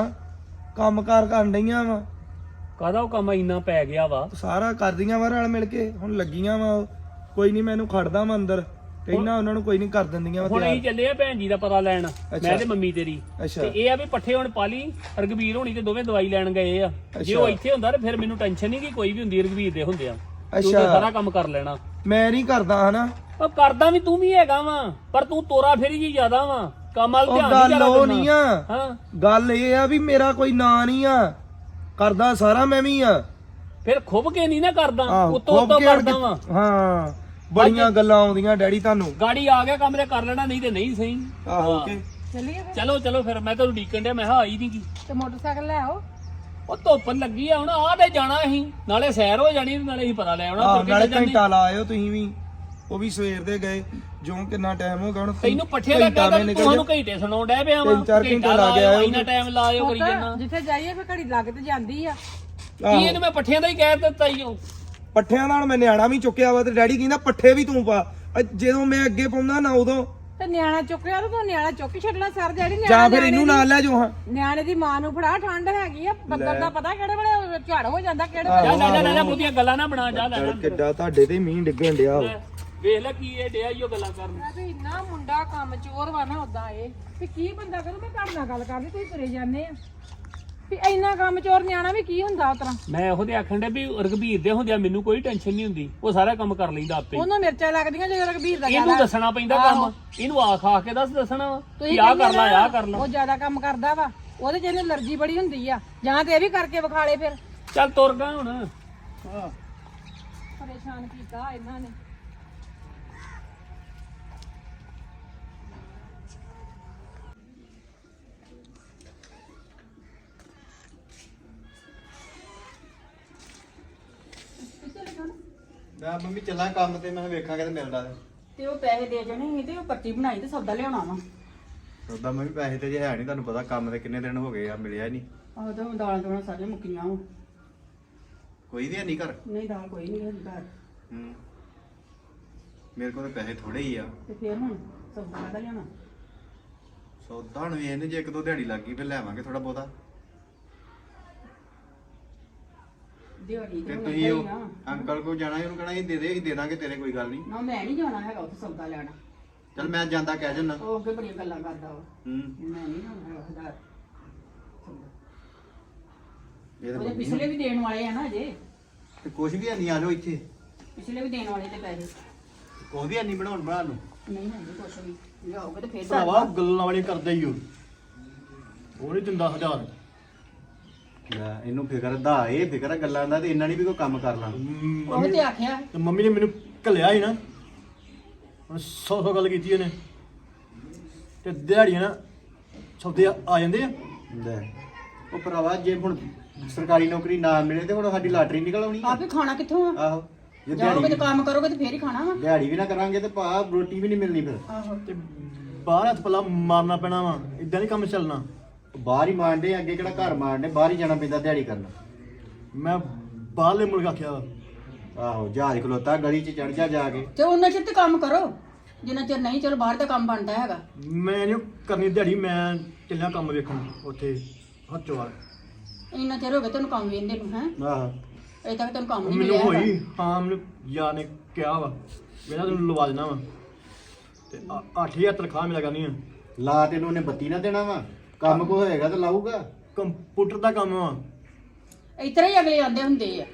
[SPEAKER 5] ਕੰਮਕਾਰ ਕਰਨ ਡਈਆਂ ਵਾ
[SPEAKER 4] ਕਾਹਦਾ ਉਹ ਕੰਮ ਇੰਨਾ ਪੈ ਗਿਆ ਵਾ
[SPEAKER 5] ਸਾਰਾ ਕਰਦੀਆਂ ਵਾ ਰਲ ਮਿਲ ਕੇ ਹੁਣ ਲੱਗੀਆਂ ਵਾ ਕੋਈ ਨਹੀਂ ਮੈਨੂੰ ਖੜਦਾ ਵਾ ਅੰਦਰ ਕਹਿੰਦਾ ਉਹਨਾਂ ਨੂੰ ਕੋਈ ਨਹੀਂ ਕਰ ਦਿੰਦੀਆਂ ਵਾ
[SPEAKER 4] ਹੁਣ ਅਸੀਂ
[SPEAKER 5] ਤਿਆਰ
[SPEAKER 4] ਚੱਲੇ ਆ ਭੈਣ ਜੀ ਦਾ ਪਤਾ ਲੈਣ ਮੈਂ ਤੇ ਮੰਮੀ ਤੇਰੀ
[SPEAKER 5] ਅੱਛਾ
[SPEAKER 4] ਤੇ ਇਹ ਆ ਵੀ ਪੱਠੇ ਹੁਣ ਪਾਲੀ ਰਗਵੀਰ ਹੋਣੀ ਤੇ ਦੋਵੇਂ ਦਵਾਈ ਲੈਣ ਗਏ ਆ ਜੇ ਉਹ ਇੱਥੇ ਹੁੰਦਾ ਤੇ ਫਿਰ ਮੈਨੂੰ ਟੈਨਸ਼ਨ ਨਹੀਂ ਕਿ ਕੋਈ ਵੀ ਹੁੰਦੀ ਰਗਵੀਰ ਦੇ ਹੁੰਦੇ ਆ ਤੂੰ ਤਾਂ ਸਾਰਾ ਕੰਮ ਕਰ ਲੈਣਾ
[SPEAKER 5] ਮੈਂ ਨਹੀਂ ਕਰਦਾ ਹਨਾ
[SPEAKER 4] ਉਹ ਕਰਦਾ ਵੀ ਤੂੰ ਵੀ ਹੈਗਾ ਵਾ ਪਰ ਤੂੰ ਤੋਰਾ ਫੇਰੀ ਜੀ ਜ਼ਿਆਦਾ ਵਾ ਕੰਮ ਵੱਲ
[SPEAKER 5] ਉਹ
[SPEAKER 4] ਧਿਆਨ
[SPEAKER 5] ਗੱਲ
[SPEAKER 4] ਨਹੀਂ
[SPEAKER 5] ਉਹ ਨਹੀਂ ਆ
[SPEAKER 4] ਹਾਂ
[SPEAKER 5] ਗੱਲ ਇਹ ਆ ਵੀ ਮੇਰਾ ਕੋਈ ਨਾਂ ਨਹੀਂ ਆ ਕਰਦਾ ਸਾਰਾ ਮੈਂ ਵੀ ਆ
[SPEAKER 4] ਫਿਰ ਖੁੱਬ ਕੇ ਨਹੀਂ ਨਾ ਕਰਦਾ
[SPEAKER 5] ਆਹੋ,
[SPEAKER 4] ਉਤੋਂ
[SPEAKER 5] ਖੁੱਭ
[SPEAKER 4] ਉਤੋਂ
[SPEAKER 5] ਕੇ
[SPEAKER 4] ਕਰਦਾ ਵਾ
[SPEAKER 5] ਹਾਂ ਬੜੀਆਂ ਗੱਲਾਂ ਆਉਂਦੀਆਂ ਡੈਡੀ ਤੁਹਾਨੂੰ
[SPEAKER 4] ਗਾੜੀ ਆ ਗਿਆ ਕੰਮ ਤੇ ਕਰ ਲੈਣਾ ਨਹੀਂ ਤੇ ਨਹੀਂ ਸਹੀ
[SPEAKER 5] ਆਹੋ ਕਿ
[SPEAKER 4] ਚਲੋ ਚਲੋ ਫਿਰ ਮੈਂ ਤੁਹਾਨੂੰ ਡੀਕਣ ਡਿਆ ਮੈਂ ਕਿਹਾ ਆਈ ਨਹੀਂ ਕੀ
[SPEAKER 1] ਤੇ ਮੋਟਰਸਾਈਕਲ ਲੈ ਆਓ
[SPEAKER 4] ਉਹ ਧੁੱਪ ਲੱਗੀ ਆ ਹੁਣ ਆ ਤੇ ਜਾਣਾ ਅਸੀਂ ਨਾਲੇ ਸੈਰ ਹੋ ਜਾਣੀ ਤੇ ਨਾਲੇ ਅਸੀਂ ਪਤਾ ਲੈ ਆਉਣਾ
[SPEAKER 5] ਆਹ
[SPEAKER 4] ਤੁਰ ਕੇ
[SPEAKER 5] ਨਾਲੇ
[SPEAKER 4] ਚੱਲ ਜਾਂਦੇ।
[SPEAKER 5] ਘੰਟਾ ਲਾ ਆਇਓ ਤੁਸੀਂ ਵੀ ਉਹ ਵੀ ਸਵੇਰ ਦੇ ਗਏ ਜੋ ਕਿੰਨਾ ਟਾਈਮ ਹੋ ਗਿਆ ਹੁਣ
[SPEAKER 4] ਤੈਨੂੰ ਪੱਠੇ ਦਾ ਕਹਿੰਦਾ ਤੁਹਾਨੂੰ ਘੰਟੇ ਸੁਣਾਉਣ ਡਿਆ ਪਿਆ ਵਾ
[SPEAKER 5] 3-4 ਘੰਟੇ ਲਾ ਕੇ ਆਇਓ
[SPEAKER 4] ਇੰਨਾ ਟਾਈਮ ਲਾਇਓ ਕਰੀ ਜਾਣਾ
[SPEAKER 1] ਜਿੱਥੇ ਜਾਈਏ ਫਿਰ ਘੜੀ ਲੱਗ ਤੇ ਜਾਂਦੀ ਆ
[SPEAKER 4] ਕੀ ਇਹਨੂੰ ਮੈਂ ਪੱਠਿਆਂ ਦਾ ਹੀ ਕਹਿ ਦਿੱਤਾ ਈ ਉਹ
[SPEAKER 5] ਪੱਠਿਆਂ ਨਾਲ ਮੈਂ ਨਿਆਣਾ ਵੀ ਚੁੱਕਿਆ ਵਾ ਤੇ ਡੈਡੀ ਕਹਿੰਦਾ ਪੱਠੇ ਵੀ ਤੂੰ ਪਾ ਜਦੋਂ ਮੈਂ ਅੱਗੇ ਪਾਉਂਦਾ ਨਾ ਉਦੋਂ
[SPEAKER 1] ਤੇ ਨਿਆਣਾ ਚੁੱਕਿਆ ਤੇ ਤੂੰ ਨਿਆਣਾ ਚੁੱਕ ਕੇ ਛੱਡਣਾ ਸਰ ਜਿਹੜੀ
[SPEAKER 5] ਜਾਂ ਫਿਰ ਇਹਨੂੰ ਨਾਲ ਲੈ ਜਾਓ ਹਾਂ
[SPEAKER 1] ਨਿਆਣੇ ਦੀ ਮਾਂ ਨੂੰ ਫੜਾ ਠੰਡ ਹੈਗੀ ਆ ਬੱਦਲ ਦਾ ਪਤਾ ਕਿਹੜੇ ਵੇਲੇ ਝੜ ਹੋ ਜਾਂਦਾ ਕਿਹੜੇ
[SPEAKER 4] ਜਾ ਲੈ ਲੈ ਲੈ ਬੁੱਧੀਆਂ ਗੱਲਾਂ ਨਾ ਬਣਾ ਜਾ ਲੈ ਲੈ।
[SPEAKER 5] ਕਿੱਡਾ ਤੁਹਾਡੇ ਤੇ ਮੀਂਹ ਡਿੱਗਣ ਡਿਆ ਵਾ।
[SPEAKER 4] ਵੇਖ ਲੈ ਕੀ ਇਹ ਡਿਆ ਈ ਉਹ ਗੱਲਾਂ ਕਰਨ
[SPEAKER 1] ਵੀ ਇੰਨਾ ਮੁੰਡਾ ਕੰਮ ਚੋਰ ਵਾ ਨਾ ਉਦਾਂ ਇਹ ਵੀ ਕੀ ਬੰਦਾ ਕਰੂ ਮੈਂ ਤੁਹਾਡੇ ਨਾਲ ਗੱਲ ਕਰਨੀ ਤੁਸੀਂ ਤੁਰੇ ਜਾਂਦੇ ਆ ਵੀ ਇੰਨਾ ਕੰਮ ਚੋਰ ਨਿਆਣਾ ਵੀ ਕੀ ਹੁੰਦਾ ਉਤਰਾ
[SPEAKER 4] ਮੈਂ ਉਹਦੇ ਆਖਣ ਦੇ ਵੀ ਰਘਬੀਰ ਦੇ ਹੁੰਦਿਆਂ ਮੈਨੂੰ ਕੋਈ ਟੈਨਸ਼ਨ ਨਹੀਂ ਹੁੰਦੀ ਉਹ ਸਾਰਾ ਕੰਮ ਕਰ ਲੈਂਦਾ ਆਪੇ
[SPEAKER 1] ਉਹਨੂੰ ਮਿਰਚਾਂ ਲੱਗਦੀਆਂ ਜਦੋਂ ਰਘਬੀਰ ਦਾ
[SPEAKER 4] ਇਹਨੂੰ ਦੱਸਣਾ ਪੈਂਦਾ ਕੰਮ ਇਹਨੂੰ ਆਖ ਆਖ ਕੇ ਦੱਸਣਾ ਵਾ ਕਿ ਆਹ ਕਰ ਲੈ ਆਹ ਕਰ ਲੈ
[SPEAKER 1] ਉਹ ਜ਼ਿਆਦਾ ਕੰਮ ਕਰਦਾ ਵਾ ਉਹਦੇ ਚ ਇਹਨੂੰ ਅਲਰਜੀ ਬੜੀ ਹੁੰਦੀ ਆ ਜਾਂ ਤੇ ਇਹ ਵੀ ਕਰਕੇ ਵਿਖਾਲੇ ਫਿਰ
[SPEAKER 4] ਚੱਲ ਤੁਰ ਗਾ ਹੁਣ
[SPEAKER 1] ਪਰੇਸ਼ਾਨ ਕੀਤਾ ਇਹਨਾਂ ਨੇ
[SPEAKER 6] ਮੈਂ ਮੰਮੀ ਚੱਲਾਂ ਕੰਮ ਤੇ ਮੈਂ ਵੇਖਾਂਗਾ ਤੇ ਮਿਲਦਾ
[SPEAKER 7] ਤੇ ਉਹ ਪੈਸੇ ਦੇ ਜਾਣੇ ਸੀ ਤੇ ਉਹ ਪਰਚੀ ਬਣਾਈ ਤੇ ਸੌਦਾ ਲਿਆਉਣਾ ਵਾ
[SPEAKER 6] ਉਦਾਂ ਮੰਮੀ ਪੈਸੇ ਤੇ ਜੇ ਹੈ ਨਹੀਂ ਤੁਹਾਨੂੰ ਪਤਾ ਕੰਮ ਤੇ ਕਿੰਨੇ ਦਿਨ ਹੋ ਗਏ ਆ ਮਿਲਿਆ ਨਹੀਂ
[SPEAKER 7] ਆਹ ਤਾਂ ਦਾਲਾਂ ਦੋਣਾ ਸਾਰੀਆਂ ਮੁੱਕੀਆਂ ਵਾ
[SPEAKER 6] ਕੋਈ ਵੀ ਹੈ ਨਹੀਂ ਘਰ
[SPEAKER 7] ਨਹੀਂ ਦਾਲ ਕੋਈ ਨਹੀਂ ਹੈਗੀ ਘਰ
[SPEAKER 6] ਹੂੰ ਮੇਰੇ ਕੋਲ ਤਾਂ ਪੈਸੇ ਥੋੜੇ ਹੀ ਆ।
[SPEAKER 7] ਤੇ ਫੇਰ ਹੁਣ ਸੌਦਾ ਕਾਹਦਾ ਲਿਆਉਣਾ?
[SPEAKER 6] ਸੌਦਾ ਹੁਣ ਵੇਖਦੇ ਜੇ ਇੱਕ ਦੋ ਦਿਹਾੜੀ ਲੱਗ ਗਈ ਫਿਰ ਲੈਵਾਂਗੇ ਥੋੜਾ ਬਹੁਤਾ।
[SPEAKER 7] ਦਿਹਾੜੀ
[SPEAKER 6] ਤੇ
[SPEAKER 7] ਤੇ
[SPEAKER 6] ਤੁਸੀਂ ਉਹ ਅੰਕਲ ਕੋਲ ਜਾਣਾ ਉਹਨੂੰ ਕਹਣਾ ਇਹ ਦੇ ਦੇ, ਅਸੀਂ ਦੇ ਦਾਂਗੇ ਤੇਰੇ, ਕੋਈ ਗੱਲ ਨਹੀਂ।
[SPEAKER 7] ਨਾ ਮੈਂ ਨਹੀਂ ਜਾਣਾ ਹੈਗਾ ਉੱਥੇ ਸੌਦਾ ਲੈਣਾ।
[SPEAKER 6] ਚੱਲ ਮੈਂ ਜਾਂਦਾ ਕਹਿ ਜੰਨਾ।
[SPEAKER 7] ਉਹ ਅੱਗੇ ਬੜੀਆਂ ਗੱਲਾਂ ਕਰਦਾ ਵਾ।
[SPEAKER 6] ਹੂੰ
[SPEAKER 7] ਮੈਂ ਨਹੀਂ ਜਾਣਾ ਹੈਗਾ ਹਜ਼ਾਰ ਸੌਦਾ।
[SPEAKER 6] ਇਹ ਤਾਂ
[SPEAKER 7] ਉਹਦੇ
[SPEAKER 6] ਮੰਮੀ
[SPEAKER 7] ਪਿਛਲੇ ਵੀ ਦੇਣ ਵਾਲੇ ਆ ਨਾ ਅਜੇ।
[SPEAKER 6] ਤੇ ਕੁਛ ਵੀ ਨਹੀਂ, ਆ ਜਾਓ ਇੱਥੇ।
[SPEAKER 7] ਪਿਛਲੇ ਵੀ ਦੇਣ ਵਾਲੇ ਤੇ ਪੈਸੇ
[SPEAKER 6] ਕੁਛ ਵੀ ਨਹੀਂ ਬਣਾਉਣ ਬਣਾ ਨੂੰ।
[SPEAKER 7] ਨਹੀਂ ਹੈ ਕੁਛ ਵੀ। ਲਿਆਓਗੇ ਤੇ ਫੇਰ
[SPEAKER 8] ਭਰਾਵਾ ਗੱਲਾਂ ਵਾਲੀਆਂ ਕਰਦੇ ਹੀ ਉਹ ਨਹੀਂ ਦਿੰਦਾ 1000।
[SPEAKER 6] ਲੈ ਇਹਨੂੰ ਫਿਕਰ ਦਾ, ਇਹ ਫਿਕਰ ਆ ਗੱਲਾਂ ਦਾ, ਤੇ ਇਹਨਾਂ ਨੇ ਵੀ ਕੋਈ ਕੰਮ ਕਰ ਲਾਂ।
[SPEAKER 7] ਉਹ ਤੇ ਆਖਿਆ
[SPEAKER 8] ਤੇ ਮੰਮੀ ਨੇ ਮੈਨੂੰ ਘੱਲਿਆ ਸੀ ਨਾ, ਹੁਣ 100 ਗੱਲ ਕੀਤੀ ਉਹਨੇ, ਤੇ ਦਿਹਾੜੀਆਂ ਨਾ ਸੌਦੇ ਆ ਜਾਂਦੇ ਆ।
[SPEAKER 6] ਲੈ ਉਹ ਭਰਾਵਾ ਜੇ ਹੁਣ ਸਰਕਾਰੀ ਨੌਕਰੀ ਨਾ ਮਿਲੇ ਤੇ ਹੁਣ ਸਾਡੀ ਲਾਟਰੀ ਨਿਕਲ ਆਉਣੀ ਆ।
[SPEAKER 7] ਆਪ ਹੀ ਖਾਣਾ ਕਿੱਥੋਂ ਆ?
[SPEAKER 6] ਆਹੋ ਜੇ
[SPEAKER 7] ਜਾਓਗੇ ਤੇ
[SPEAKER 6] ਦਿਹਾੜੀ
[SPEAKER 7] ਕੰਮ ਕਰੋਗੇ ਤੇ ਫੇਰ ਹੀ ਖਾਣਾ ਵਾ।
[SPEAKER 6] ਦਿਹਾੜੀ ਵੀ ਨਾ ਕਰਾਂਗੇ ਤੇ ਭਾ ਰੋਟੀ ਵੀ ਨਹੀਂ ਮਿਲਣੀ ਫਿਰ।
[SPEAKER 7] ਆਹੋ
[SPEAKER 8] ਤੇ ਬਾਹਰ ਹੱਥ ਪੱਲਾ ਮਾਰਨਾ ਪੈਣਾ ਵਾ, ਇਦਾਂ ਨਹੀਂ ਕੰਮ ਚੱਲਣਾ।
[SPEAKER 6] ਬਾਹਰ ਹੀ ਮਾਰਦੇ ਅੱਗੇ ਕਿਹੜਾ ਘਰ ਮਾਰਦੇ, ਬਾਹਰ ਹੀ ਜਾਣਾ ਪੈਂਦਾ ਦਿਹਾੜੀ ਕਰਨ।
[SPEAKER 8] ਮੈਂ ਬਾਹਰਲੇ ਮੁਲਕ ਆਖਿਆ ਵਾ।
[SPEAKER 6] ਆਹੋ ਜਹਾਜ਼ ਖਲੋਤਾ ਗਲੀ 'ਚ ਚੜ ਜਾ ਕੇ।
[SPEAKER 7] ਤੇ ਉਹਨਾਂ ਚਿਰ ਤੇ ਕੰਮ ਕਰੋ ਜਿੰਨਾ ਚਿਰ ਨਹੀਂ ਚਲੋ ਬਾਹਰ ਦਾ ਕੰਮ ਬਣਦਾ ਹੈਗਾ।
[SPEAKER 8] ਮੈਂ ਨਹੀਂ ਕਰਨੀ ਦਿਹਾੜੀ, ਮੈਂ ਚੱਲਿਆ ਕੰਮ ਵੇਖਣ ਉੱਥੇ ਹੱਥੋਂ।
[SPEAKER 7] ਇੰਨਾ ਚਿਰ ਹੋ ਗਿਆ ਤੈਨੂੰ ਕੰਮ ਵੇਂਦੇ ਨੂੰ ਹੈ।
[SPEAKER 6] ਆਹੋ
[SPEAKER 7] ਅਜੇ ਤੱਕ ਤੈਨੂੰ ਕੰਮ ਨਹੀਂ
[SPEAKER 8] ਮੈਨੂੰ
[SPEAKER 7] ਮਿਲਿਆ ਹੈਗਾ।
[SPEAKER 8] ਹੋਈ ਹਾਂ, ਮੈਨੂੰ ਯਾਰ ਨੇ ਕਿਹਾ ਵਾ ਮੇਰਾ ਤੈਨੂੰ ਲਵਾ ਦੇਣਾ ਵਾ, ਤੇ 8000 ਤਨਖਾਹ ਮਿਲਿਆ ਕਰਨੀ ਆ।
[SPEAKER 6] ਲਾ ਤੈਨੂੰ ਉਹਨੇ ਬੱਤੀ ਨਾ ਦੇਣਾ ਵਾ, ਕੰਮ ਕੋ ਹੋਏਗਾ ਤਾਂ ਲਾਊਗਾ।
[SPEAKER 8] ਕੰਪਿਊਟਰ ਦਾ ਕੰਮ ਵਾ।
[SPEAKER 7] ਇਸ ਤਰ੍ਹਾਂ ਹੀ ਅਗਲੇ ਆਂਦੇ ਹੁੰਦੇ ਆ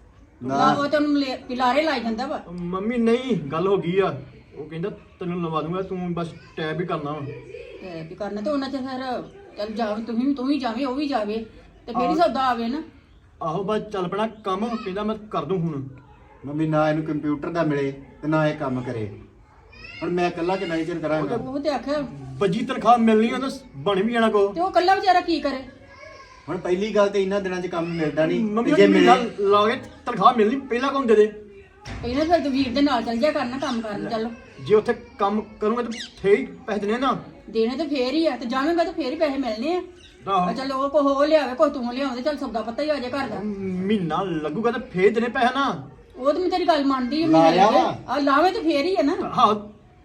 [SPEAKER 7] ਨਾ ਉਹ ਤੈਨੂੰ ਪਿਲਾਰੇ ਲਾਈ ਜਾਂਦਾ ਵਾ।
[SPEAKER 8] ਮੰਮੀ ਨਹੀਂ ਗੱਲ ਹੋ ਗਈ ਆ, ਉਹ ਕਹਿੰਦਾ ਤੈਨੂੰ ਲਵਾ ਦੂੰਗਾ, ਤੂੰ ਬਸ ਟੈਬ ਹੀ ਕਰਨਾ ਵਾ।
[SPEAKER 7] ਤੇ ਵੀ ਕਰਨਾ ਤੇ ਉਹਨਾਂ ਚ ਫਿਰ ਚੱਲ ਜਾਵੇ ਤੂੰ ਵੀ ਜਾਵੇਂ ਉਹ ਵੀ ਜਾਵੇ ਤੇ ਫੇਰ ਹੀ ਸੌਦਾ ਆਵੇ ਨਾ।
[SPEAKER 8] ਆਹੋ ਬਸ ਚੱਲ ਪੈਣਾ ਕੰਮ, ਕਹਿੰਦਾ ਮੈਂ ਕਰ ਦੂੰ ਹੁਣ।
[SPEAKER 6] ਮੰਮੀ ਨਾ ਇਹਨੂੰ ਕੰਪਿਊਟਰ ਦਾ ਮਿਲੇ ਤੇ ਨਾ ਇਹ ਕੰਮ ਕਰੇ, ਹੁਣ ਮੈਂ ਇਕੱਲਾ ਕਿੰਨਾ ਚਿਰ ਕਰਾਂਗਾ।
[SPEAKER 7] ਉਹ ਤੇ ਆਖਿਆ
[SPEAKER 8] ਵੱਜੀ ਤਨਖਾਹ ਮਿਲਣੀ ਆ ਤਾਂ ਬਣ ਵੀ ਜਾਣਾ ਕੋ।
[SPEAKER 7] ਤੇ ਉਹ ਕੱਲਾ ਵਿਚਾਰਾ ਕੀ ਕਰੇ।
[SPEAKER 6] ਹੁਣ ਪਹਿਲੀ ਗੱਲ ਤੇ ਇਹਨਾਂ ਦਿਨਾਂ 'ਚ ਕੰਮ ਮਿਲਦਾ ਨਹੀਂ,
[SPEAKER 8] ਮੰਮੀ
[SPEAKER 6] ਤੇ ਜੇ
[SPEAKER 8] ਜੇ
[SPEAKER 6] ਮਿਲੇ
[SPEAKER 8] ਲਾ ਕੇ ਤਨਖਾਹ ਮਿਲਣੀ ਪਹਿਲਾਂ ਕੌਣ ਦੇ ਦੇ?
[SPEAKER 7] ਇਹਨਾਂ ਫਿਰ ਤੂੰ ਵੀਰ ਦੇ ਨਾਲ ਚੱਲ ਜਾ ਕਰਨਾ ਕੰਮ ਕਰਨ ਚੱਲ।
[SPEAKER 8] ਜੇ ਉੱਥੇ ਕੰਮ ਕਰੂੰਗਾ ਤਾਂ ਫੇਰ ਹੀ ਪੈਸੇ ਦੇਣੇ ਨਾ।
[SPEAKER 7] ਦੇਣੇ ਤੇ ਫੇਰ ਹੀ ਆ ਤੇ ਜਾਵੇਂਗਾ ਤੇ ਫੇਰ ਹੀ ਪੈਸੇ ਮਿਲਣੇ ਆ।
[SPEAKER 8] ਆਹੋ
[SPEAKER 7] ਚੱਲ ਉਹ ਕੋ ਲਿਆਵੇ ਕੋ ਤੂੰ ਲਿਆਉਂਦੇ ਚੱਲ ਸੌਦਾ ਪਤਾ ਹੀ ਆ ਜੇ ਘਰ ਦਾ।
[SPEAKER 8] ਮਹੀਨਾ ਲੱਗੂਗਾ ਤਾਂ ਫੇਰ ਦੇਣੇ ਪੈਸੇ ਨਾ।
[SPEAKER 7] ਉਹ ਤੇ ਮੈਂ ਤੇਰੀ ਗੱਲ ਮੰਨਦੀ ਆ
[SPEAKER 6] ਲਾ ਲਿਆ ਵਾ।
[SPEAKER 7] ਆ ਲਾਵੇ ਤੇ ਫੇਰ ਹੀ ਆ ਨਾ।
[SPEAKER 8] ਹਾਂ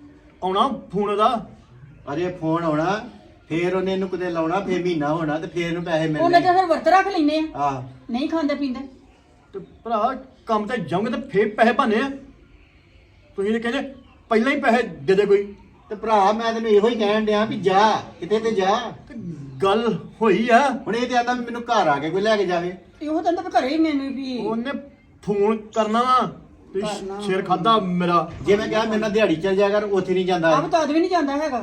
[SPEAKER 8] ਆਉਣਾ ਫੋਨ ਦਾ।
[SPEAKER 6] ਅਜੇ ਫੋਨ ਆਉਣਾ, ਫੇਰ ਉਹਨੇ ਇਹਨੂੰ ਕਿਤੇ ਲਾਉਣਾ, ਫੇਰ ਮਹੀਨਾ ਹੋਣਾ ਤੇ ਫੇਰ ਇਹਨੂੰ ਪੈਸੇ
[SPEAKER 7] ਉਹਨੇ
[SPEAKER 6] ਮਿਲਣੇ।
[SPEAKER 7] ਤਾਂ ਫਿਰ ਵਰਤ ਰੱਖ ਲੈਨੇ ਆ
[SPEAKER 6] ਆਹ
[SPEAKER 7] ਨਹੀਂ ਖਾਂਦੇ ਪੀਂਦੇ।
[SPEAKER 8] ਤੇ ਭਰਾ ਕੰਮ ਤੇ ਜਾਓਗੇ ਤਾਂ ਫੇਰ ਪੈਸੇ ਭਾਨੇ ਆ। ਤੁਸੀਂ ਨੇ ਕਹਿੰਦੇ ਪਹਿਲਾਂ ਹੀ ਪੈਸੇ ਦੇ ਦੇ ਕੋਈ।
[SPEAKER 6] ਤੇ ਭਰਾ ਮੈਂ ਤੈਨੂੰ ਇਹੋ ਹੀ ਕਹਿਣ ਡਿਆ ਵੀ ਜਾ ਕਿਤੇ ਤੇ ਜਾ।
[SPEAKER 8] ਤੇ ਗੱਲ ਹੋਈ ਆ।
[SPEAKER 6] ਹੁਣ ਇਹ ਤੇ ਆਂਦਾ ਵੀ ਮੈਨੂੰ ਘਰ ਆ ਕੇ ਕੋਈ ਲੈ ਕੇ ਜਾਵੇ।
[SPEAKER 7] ਇਹੋ ਤਾਂ ਅੰਦਰ ਘਰੇ ਹੀ ਮੈਨੂੰ ਵੀ
[SPEAKER 8] ਉਹਨੇ ਫੋਨ ਕਰਨਾ ਵਾ, ਤੁਸੀਂ ਸ਼ੇਰ ਖਾਦਾ ਮੇਰਾ।
[SPEAKER 6] ਜੇ ਮੈਂ ਕਿਹਾ ਮੇਰੇ ਨਾਲ ਦਿਹਾੜੀ ਚੱਲ ਜਾ ਕਰ, ਉੱਥੇ ਨਹੀਂ ਜਾਂਦਾ।
[SPEAKER 7] ਆਪ ਤਾਂ ਵੀ ਨਹੀਂ ਜਾਂਦਾ ਹੈਗਾ।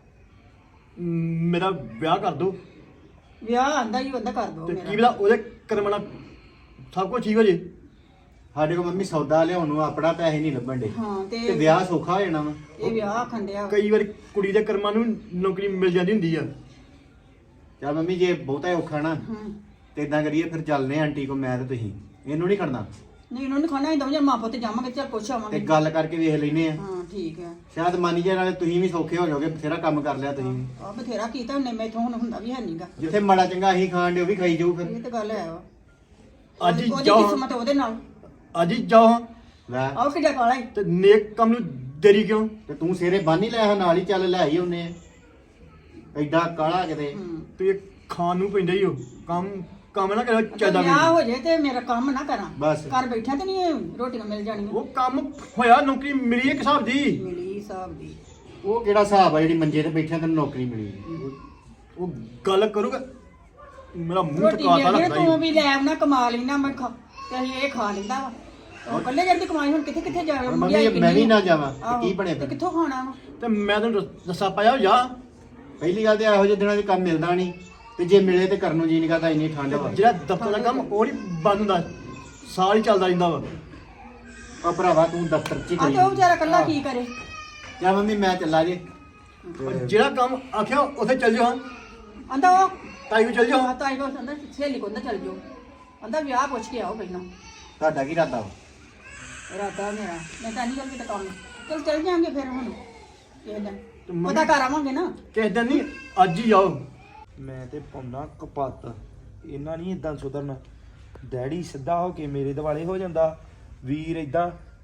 [SPEAKER 8] ਮੇਰਾ ਵਿਆਹ ਕਰ ਦੋ
[SPEAKER 7] ਵਿਆਹ ਆਂਦਾ ਹੀ ਉਹਦਾ ਕਰ ਦੋ
[SPEAKER 8] ਤੇ ਕੀ
[SPEAKER 7] ਮੇਰਾ।
[SPEAKER 8] ਪਤਾ ਉਹਦੇ ਕਰਮਣਾ ਸਭ ਕੁਝ ਠੀਕ ਹੋ ਜੇ।
[SPEAKER 6] ਸਾਡੇ ਕੋਲ ਮੰਮੀ ਸੌਦਾ ਲਿਆਉਣ ਨੂੰ ਆਪਣਾ ਪੈਸੇ ਨਹੀਂ ਲੱਭਣ ਡੇ,
[SPEAKER 7] ਹਾਂ
[SPEAKER 6] ਤੇ
[SPEAKER 7] ਤੇ
[SPEAKER 6] ਵਿਆਹ ਸੌਖਾ ਹੋ ਜਾਣਾ ਵਾ।
[SPEAKER 7] ਇਹ ਵਿਆਹ ਆਖਣ ਡਿਆ ਵਾ।
[SPEAKER 8] ਕਈ ਵਾਰ ਕੁੜੀ ਦੇ ਕਰਮਾਂ ਨੂੰ ਨੌਕਰੀ ਮਿਲ ਜਾਂਦੀ ਹੁੰਦੀ ਆ।
[SPEAKER 6] ਚੱਲ ਮੰਮੀ ਜੇ ਬਹੁਤਾ ਔਖਾ ਨਾ
[SPEAKER 7] ਹੂੰ
[SPEAKER 6] ਤੇ ਇਦਾਂ ਕਰੀਏ, ਫਿਰ ਚੱਲਨੇ ਆਂਟੀ ਕੋ, ਮੈਂ ਤੇ ਤੁਸੀਂ। ਇਹਨੂੰ ਨਹੀਂ ਖੜਨਾ
[SPEAKER 7] ਨਹੀਂ ਉਹਨਾਂ ਨੂੰ ਖਾਣਾ ਹੀ ਦਵਾਂ ਜਾਂ ਮਾਂ ਪੁੱਤ ਜਾਵਾਂਗੇ ਚੱਲ ਪੁੱਛ
[SPEAKER 6] ਤੇ
[SPEAKER 7] ਆਵਾਂਗੇ।
[SPEAKER 6] ਗੱਲ ਕਰਕੇ ਵੇਖ ਲੈਨੇ ਆ।
[SPEAKER 7] ਹਾਂ ਠੀਕ ਹੈ।
[SPEAKER 6] ਸ਼ਾਇਦ ਮੰਨ ਜੇ ਨਾਲੇ ਤੁਸੀਂ ਵੀ ਸੌਖੇ ਹੋ ਜਾਓਗੇ, ਬਥੇਰਾ ਕੰਮ ਕਰ ਲਿਆ ਤੁਸੀਂ ਵੀ।
[SPEAKER 7] ਆ ਬਥੇਰਾ ਕੀਤਾ ਉਹਨੇ ਮੈਥੋਂ ਹੁਣ ਹੁੰਦਾ ਵੀ ਹੈ ਨਹੀਂਗਾ।
[SPEAKER 6] ਜਿੱਥੇ ਮਾੜਾ ਚੰਗਾ ਅਸੀਂ ਖਾਣ ਦੇ ਉਹ ਵੀ ਖਾਈ ਜਾਊ ਫਿਰ।
[SPEAKER 7] ਇਹ ਤਾਂ ਗੱਲ ਹੈ ਵਾ।
[SPEAKER 8] ਅੱਜ ਹੀ
[SPEAKER 7] ਉਹਦੀ
[SPEAKER 8] ਜਾਓ,
[SPEAKER 7] ਕਿਸਮਤ ਉਹਦੇ ਨਾਲ।
[SPEAKER 8] ਅੱਜ ਹੀ ਜਾਓ
[SPEAKER 6] ਲੈ
[SPEAKER 7] ਆਓ ਕਿੱਡਾ ਕਾਲਾ ਹੀ।
[SPEAKER 8] ਤੇ ਨੇਕ ਕੰਮ ਨੂੰ ਦੇਰੀ ਕਿਉਂ?
[SPEAKER 6] ਤੇ ਤੂੰ ਸੇਰੇ ਬੰਨ ਹੀ ਲੈ ਆ, ਨਾਲ ਹੀ ਚੱਲ ਲੈ ਹੀ ਆਉਨੇ ਆ। ਐਡਾ ਕਾਲਾ ਕਿਤੇ।
[SPEAKER 8] ਤੇ ਖਾਣ ਨੂੰ ਪੈਂਦਾ ਹੀ ਉਹ ਕੰਮ ਨਾ ਕਰੋ ਚਾਹੀਦਾ
[SPEAKER 7] ਵਿਆਹ
[SPEAKER 8] ਮੈਨੂੰ।
[SPEAKER 7] ਹੋ ਜੇ ਤੇ ਮੇਰਾ ਕੰਮ ਨਾ ਕਰਾਂ।
[SPEAKER 6] ਬਸ।
[SPEAKER 7] ਘਰ ਬੈਠਾ ਤੇ ਨਹੀਂ ਰੋਟੀਆਂ ਮਿਲ ਜਾਣੀਆਂ।
[SPEAKER 8] ਉਹ ਕੰਮ ਹੋਇਆ, ਨੌਕਰੀ ਮਿਲੀ ਇੱਕ ਹਿਸਾਬ ਦੀ।
[SPEAKER 7] ਮਿਲੀ ਹਿਸਾਬ ਦੀ।
[SPEAKER 6] ਉਹ ਕਿਹੜਾ ਹਿਸਾਬ ਆ ਜਿਹੜੀ ਮੰਜੇ ਤੇ ਬੈਠਿਆ ਤੈਨੂੰ ਨੌਕਰੀ ਮਿਲੀ?
[SPEAKER 8] ਉਹ ਗੱਲ ਕਰੂਗਾ ਮੇਰਾ ਮੂੰਹ
[SPEAKER 7] ਰੋਟੀ
[SPEAKER 8] ਟਕਾਤਾ
[SPEAKER 7] ਮਿਲ
[SPEAKER 8] ਲੱਗਦਾ
[SPEAKER 7] ਤੂੰ
[SPEAKER 8] ਹੀ।
[SPEAKER 7] ਵੀ ਲੈ ਆਉਣਾ ਕਮਾ ਲੈਣਾ ਮੈਂ ਖਾ ਤੇ ਅਸੀਂ ਇਹ ਖਾ ਲੈਂਦਾ ਵਾ। ਉਹ ਇਕੱਲੇ ਜਰ ਦੀ ਕਮਾਈ ਹੁਣ ਕਿੱਥੇ ਕਿੱਥੇ ਜਾਵੇ।
[SPEAKER 6] ਹੁਣ
[SPEAKER 7] ਮਹਿੰਗਾਈ
[SPEAKER 6] ਮੰਮੀ ਮੈਂ ਵੀ
[SPEAKER 7] ਕਿੰਨੀ
[SPEAKER 6] ਨਾ
[SPEAKER 7] ਆ।
[SPEAKER 6] ਜਾਵਾਂ ਤੇ
[SPEAKER 7] ਆਹੋ,
[SPEAKER 6] ਕੀ ਬਣੇ
[SPEAKER 7] ਤੇ
[SPEAKER 6] ਫਿਰ?
[SPEAKER 7] ਕਿੱਥੋਂ ਖਾਣਾ ਵਾ।
[SPEAKER 8] ਤੇ ਮੈਂ ਤੈਨੂੰ ਦੱਸਾ ਪਾਇਆ ਜਾ।
[SPEAKER 6] ਪਹਿਲੀ ਗੱਲ ਤੇ ਇਹੋ ਜਿਹੇ ਦਿਨਾਂ 'ਚ ਕੰਮ ਮਿਲਦਾ ਨਹੀਂ, ਤੇ ਜੇ ਮਿਲੇ ਤੇ ਕਰਨ ਨੂੰ ਜੀ ਨਹੀਂ ਕਰਦਾ, ਇੰਨੀ ਠੰਡ ਵਾ।
[SPEAKER 8] ਜਿਹੜਾ ਦਫ਼ਤਰ ਦਾ ਕੰਮ ਉਹ ਨਹੀਂ ਬੰਦ ਹੁੰਦਾ, ਸਾਲ ਹੀ ਚੱਲਦਾ ਰਹਿੰਦਾ ਵਾ।
[SPEAKER 6] ਉਹ ਭਰਾਵਾ ਤੂੰ ਦਫ਼ਤਰ 'ਚ ਹੀ
[SPEAKER 7] ਆ
[SPEAKER 6] ਕਰੀ।
[SPEAKER 7] ਤੇ ਉਹ ਵਿਚਾਰਾ ਇਕੱਲਾ ਕੀ ਕਰੇ।
[SPEAKER 6] ਜਾ ਮੰਮੀ ਮੈਂ ਚੱਲਾ ਜੇ।
[SPEAKER 8] ਪਰ ਜਿਹੜਾ ਕੰਮ ਆਖਿਆ ਉੱਥੇ ਚੱਲ ਜਾਓ।
[SPEAKER 7] ਆਂਦਾ ਉਹ
[SPEAKER 8] ਤਾਈ ਨੂੰ ਚੱਲ ਜਾਓ।
[SPEAKER 7] ਤਾਈ ਕੋ ਆਂਦਾ ਸਹੇਲੀ ਕੋ ਚੱਲ ਜਾਓ। ਆਂਦਾ ਵਿਆਹ ਪੁੱਛ ਕੇ ਆਓ ਪਹਿਲਾਂ।
[SPEAKER 6] ਤੁਹਾਡਾ ਕੀ ਇਰਾਦਾ ਵਾ?
[SPEAKER 7] ਇਰਾਦਾ ਮੇਰਾ ਮੈਂ ਤਾਂ ਨਹੀਂ ਗੱਲ ਕਿਤੇ ਕੰਮ ਚਲ ਚੱਲ ਜਾਾਂਗੇ ਫਿਰ ਹੁਣ ਕਿਸੇ ਦਿਨ
[SPEAKER 8] ਤੇ ਮੰਮੀ-
[SPEAKER 7] ਪਤਾ ਕਰ ਆਵਾਂਗੇ ਨਾ।
[SPEAKER 8] ਕਿਸੇ ਦਿਨ ਨਹੀਂ, ਅੱਜ ਹੀ ਜਾਓ।
[SPEAKER 5] ਮੈਂ ਤੇ ਪਾਉਣਾ ਕਪੱਤ, ਇਹਨਾਂ ਨਹੀਂ ਇਦਾਂ ਸੁਧਰਨਾ। ਡੈਡੀ ਸਿੱਧਾ ਹੋ ਕੇ ਮੇਰੇ ਦਿਵਾਲੇ ਹੋ ਜਾਂਦਾ, ਵੀਰ ਇਦਾਂ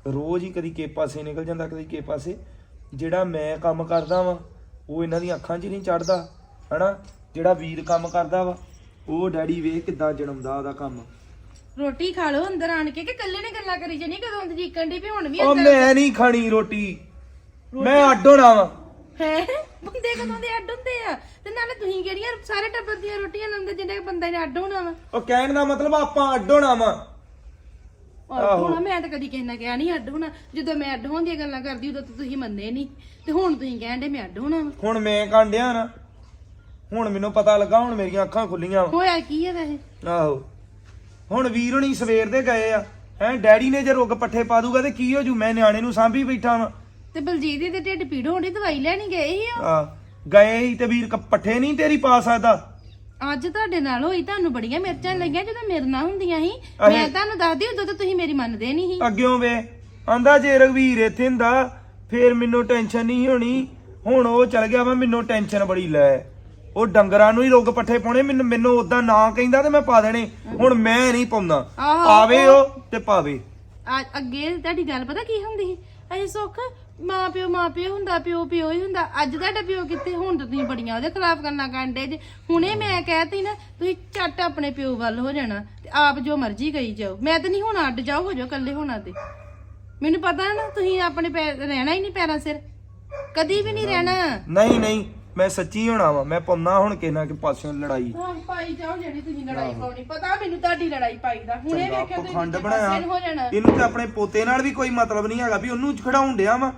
[SPEAKER 5] ਰੋਜ਼ ਹੀ ਕਦੀ ਕਿਸੇ ਪਾਸੇ ਨਿਕਲ ਜਾਂਦਾ ਕਦੀ ਕਿਸੇ ਪਾਸੇ। ਜਿਹੜਾ ਮੈਂ ਕੰਮ ਕਰਦਾ ਵਾਂ ਉਹ ਇਹਨਾਂ ਦੀਆਂ ਅੱਖਾਂ 'ਚ ਨਹੀਂ ਚੜਦਾ ਹਨਾ। ਜਿਹੜਾ ਵੀਰ ਕੰਮ ਕਰਦਾ ਵਾ ਉਹ ਡੈਡੀ ਵੇਖ ਕਿੱਦਾਂ ਜਨਮਦਾ ਉਹਦਾ ਕੰਮ।
[SPEAKER 1] ਰੋਟੀ ਖਾ ਲਓ ਅੰਦਰ ਆਣ ਕੇ ਕਿ ਕੱਲੇ ਨੇ ਗੱਲਾਂ ਕਰੀ ਜਾਨੀ ਕਦੋਂ ਦੀ ਜੀਕਣ ਦੀ ਵੀ ਹੁਣ ਵੀ
[SPEAKER 5] ਉਹ ਮੈਂ ਨਹੀਂ ਖਾਣੀ ਰੋਟੀ, ਮੈਂ ਅੱਡ ਹੋਣਾ ਵਾ।
[SPEAKER 1] ਹੈ ਬੰਦੇ ਕਦੋਂ ਦੇ ਅੱਡ ਹੁੰਦੇ ਆ? ਤੇ ਨਾਲੇ ਤੁਸੀਂ ਕਿਹੜੀਆਂ ਸਾਰੇ ਟੱਬਰ ਦੀਆਂ ਰੋਟੀਆਂ ਲਾਉਂਦੇ ਜਿਹੜੇ ਬੰਦੇ ਨੇ ਅੱਡ ਹੋਣਾ ਵਾ?
[SPEAKER 5] ਉਹ ਕਹਿਣ ਦਾ ਮਤਲਬ ਆਪਾਂ ਅੱਡ ਹੋਣਾ ਵਾ।
[SPEAKER 1] ਅੱਡ ਹੋਣਾ ਮੈਂ ਤਾਂ ਕਦੀ ਕਿਸੇ ਨਾਲ ਕਿਹਾ ਨਹੀਂ ਅੱਡ ਹੋਣਾ। ਜਦੋਂ ਮੈਂ ਅੱਡ ਹੋਣ ਦੀਆਂ ਗੱਲਾਂ ਕਰਦੀ ਉਦੋਂ ਤਾਂ ਤੁਸੀਂ ਮੰਨੇ ਨਹੀਂ, ਤੇ ਹੁਣ ਤੁਸੀਂ ਕਹਿੰਦੇ ਮੈਂ ਅੱਡ ਹੋਣਾ ਵਾ।
[SPEAKER 5] ਹੁਣ ਮੈਂ ਕਾਂਡਿਆ ਨਾ, ਹੁਣ ਮੈਨੂੰ ਪਤਾ ਲੱਗਾ, ਹੁਣ ਮੇਰੀਆਂ ਅੱਖਾਂ ਖੁੱਲੀਆਂ ਵਾ।
[SPEAKER 1] ਹੋਇਆ ਕੀ ਹੈ ਵੈਸੇ?
[SPEAKER 5] ਆਹੋ ਹੁਣ ਵੀਰ ਹੁਣੀ ਸਵੇਰ ਦੇ ਗਏ ਆ ਹੈ। ਡੈਡੀ ਨੇ ਜੇ ਰੁੱਗ ਪੱਠੇ ਪਾ ਦੂਗਾ ਤੇ ਕੀ ਹੋ ਜੂ? ਮੈਂ ਨਿਆਣੇ ਨੂੰ ਸਾਂਭੀ ਬੈਠਾ ਵਾਂ।
[SPEAKER 1] ਤੇ ਬਲਜੀਤ ਦੀ ਤੇ ਢਿੱਡ ਪੀੜ ਹੋਣੀ, ਦਵਾਈ ਲੈਣੀ ਗਏ ਸੀ ਉਹ।
[SPEAKER 5] ਆ ਗਏ ਹੀ ਤੇ ਵੀਰ ਪੱਠੇ ਨਹੀਂ ਤੇਰੀ ਪਾ ਸਕਦਾ।
[SPEAKER 1] ਅੱਜ ਤੁਹਾਡੇ ਨਾਲ ਹੋਈ, ਤੁਹਾਨੂੰ ਬੜੀਆਂ ਮਿਰਚਾਂ ਲੱਗੀਆਂ ਜਦੋਂ ਮੇਰੇ ਨਾਲ ਹੁੰਦੀਆਂ ਸੀ। ਮੈਂ ਤੁਹਾਨੂੰ ਦੱਸਦੀ ਉਦੋਂ ਤਾਂ ਤੁਸੀਂ ਮੇਰੀ ਮੰਨਦੇ ਨਹੀਂ ਸੀ।
[SPEAKER 5] ਅੱਗਿਓਂ ਵੇ ਆਂਦਾ ਜੇ ਰਘਵੀਰ ਇੱਥੇ ਹੁੰਦਾ ਫੇਰ ਮੈਨੂੰ ਟੈਨਸ਼ਨ ਨਹੀਂ ਹੋਣੀ। ਹੁਣ ਉਹ ਚਲ ਗਿਆ ਵਾ, ਮੈਨੂੰ ਟੈਨਸ਼ਨ ਬੜੀ ਲੈ। ਉਹ ਡੰਗਰਾਂ ਨੂੰ ਹੀ ਰੁੱਗ ਪੱਠੇ ਪਾਉਣੇ, ਮੈਨੂੰ ਉਦਾਂ ਨਾ ਕਹਿੰਦਾ ਤੇ ਮੈਂ ਪਾ ਦੇਣੇ। ਹੁਣ ਮੈਂ ਨਹੀਂ ਪਾਉਂਦਾ, ਆਵੇ ਉਹ ਤੇ ਪਾਵੇ।
[SPEAKER 1] ਅੱਗੇ ਤੁਹਾਡੀ ਗੱਲ ਪਤਾ ਕੀ ਹੁੰਦੀ ਸੀ? ਅਜੇ ਸੁੱਖ ਮਾਂ ਪਿਓ ਹੁੰਦਾ, ਪਿਓ ਹੀ ਹੁੰਦਾ। ਅੱਜ ਤੁਹਾਡਾ ਪਿਓ ਕਿੱਥੇ? ਹੁਣ ਤਾਂ ਤੁਸੀਂ ਬੜੀਆਂ ਉਹਦੇ ਖਿਲਾਫ ਗੱਲਾਂ ਕਰਦੇ ਜੇ। ਹੁਣੇ ਮੈਂ ਕਹਿਤੀ ਨਾ ਤੁਸੀਂ ਝੱਟ ਆਪਣੇ ਪਿਓ ਵੱਲ ਹੋ ਜਾਣਾ ਤੇ ਆਪ ਜੋ ਮਰਜ਼ੀ ਕਰੀ ਜਾਓ। ਮੈਂ ਤਾਂ ਨਹੀਂ ਹੁਣ ਅੱਡ ਜਾਓ, ਹੋ ਜਾਓ ਇਕੱਲੇ ਹੋਣਾ। ਤੇ ਮੈਨੂੰ ਪਤਾ ਨਾ ਤੁਸੀਂ ਆਪਣੇ ਰਹਿਣਾ ਹੀ ਨਹੀਂ ਪੈਰਾਂ ਸਿਰ, ਕਦੀ ਵੀ ਨਹੀਂ ਰਹਿਣਾ।
[SPEAKER 5] ਨਹੀਂ ਮੈਂ ਸੱਚੀ ਹੋਣਾ ਵਾ। ਮੈਂ ਪਾਉਣਾ ਹੁਣ ਕਿਸੇ ਨਾ ਕਿਸੇ ਪਾਸਿਓਂ ਲੜਾਈ।
[SPEAKER 1] ਹਾਂ ਪਾਈ ਜਾਓ ਜਿਹੜੀ ਤੁਸੀਂ ਲੜਾਈ ਪਾਉਣੀ। ਪਤਾ ਮੈਨੂੰ ਤੁਹਾਡੀ ਲੜਾਈ ਪਾਈ ਦਾ। ਹੁਣੇ ਵੇਖਿਆ ਤੁਸੀਂ
[SPEAKER 5] ਪਖੰਡ
[SPEAKER 1] ਦੂਜੇ
[SPEAKER 5] ਬਣਾਇਆ
[SPEAKER 1] ਪਾਸੇ ਨੂੰ ਹੋ ਜਾਣਾ।
[SPEAKER 5] ਇਹਨੂੰ ਤੇ ਆਪਣੇ ਪੋਤੇ ਨਾਲ ਵੀ ਕੋਈ ਮਤਲਬ ਨਹੀਂ ਹੈਗਾ ਵੀ ਉਹਨੂੰ ਖੜਾਉਣ ਡਿਆ ਵਾ।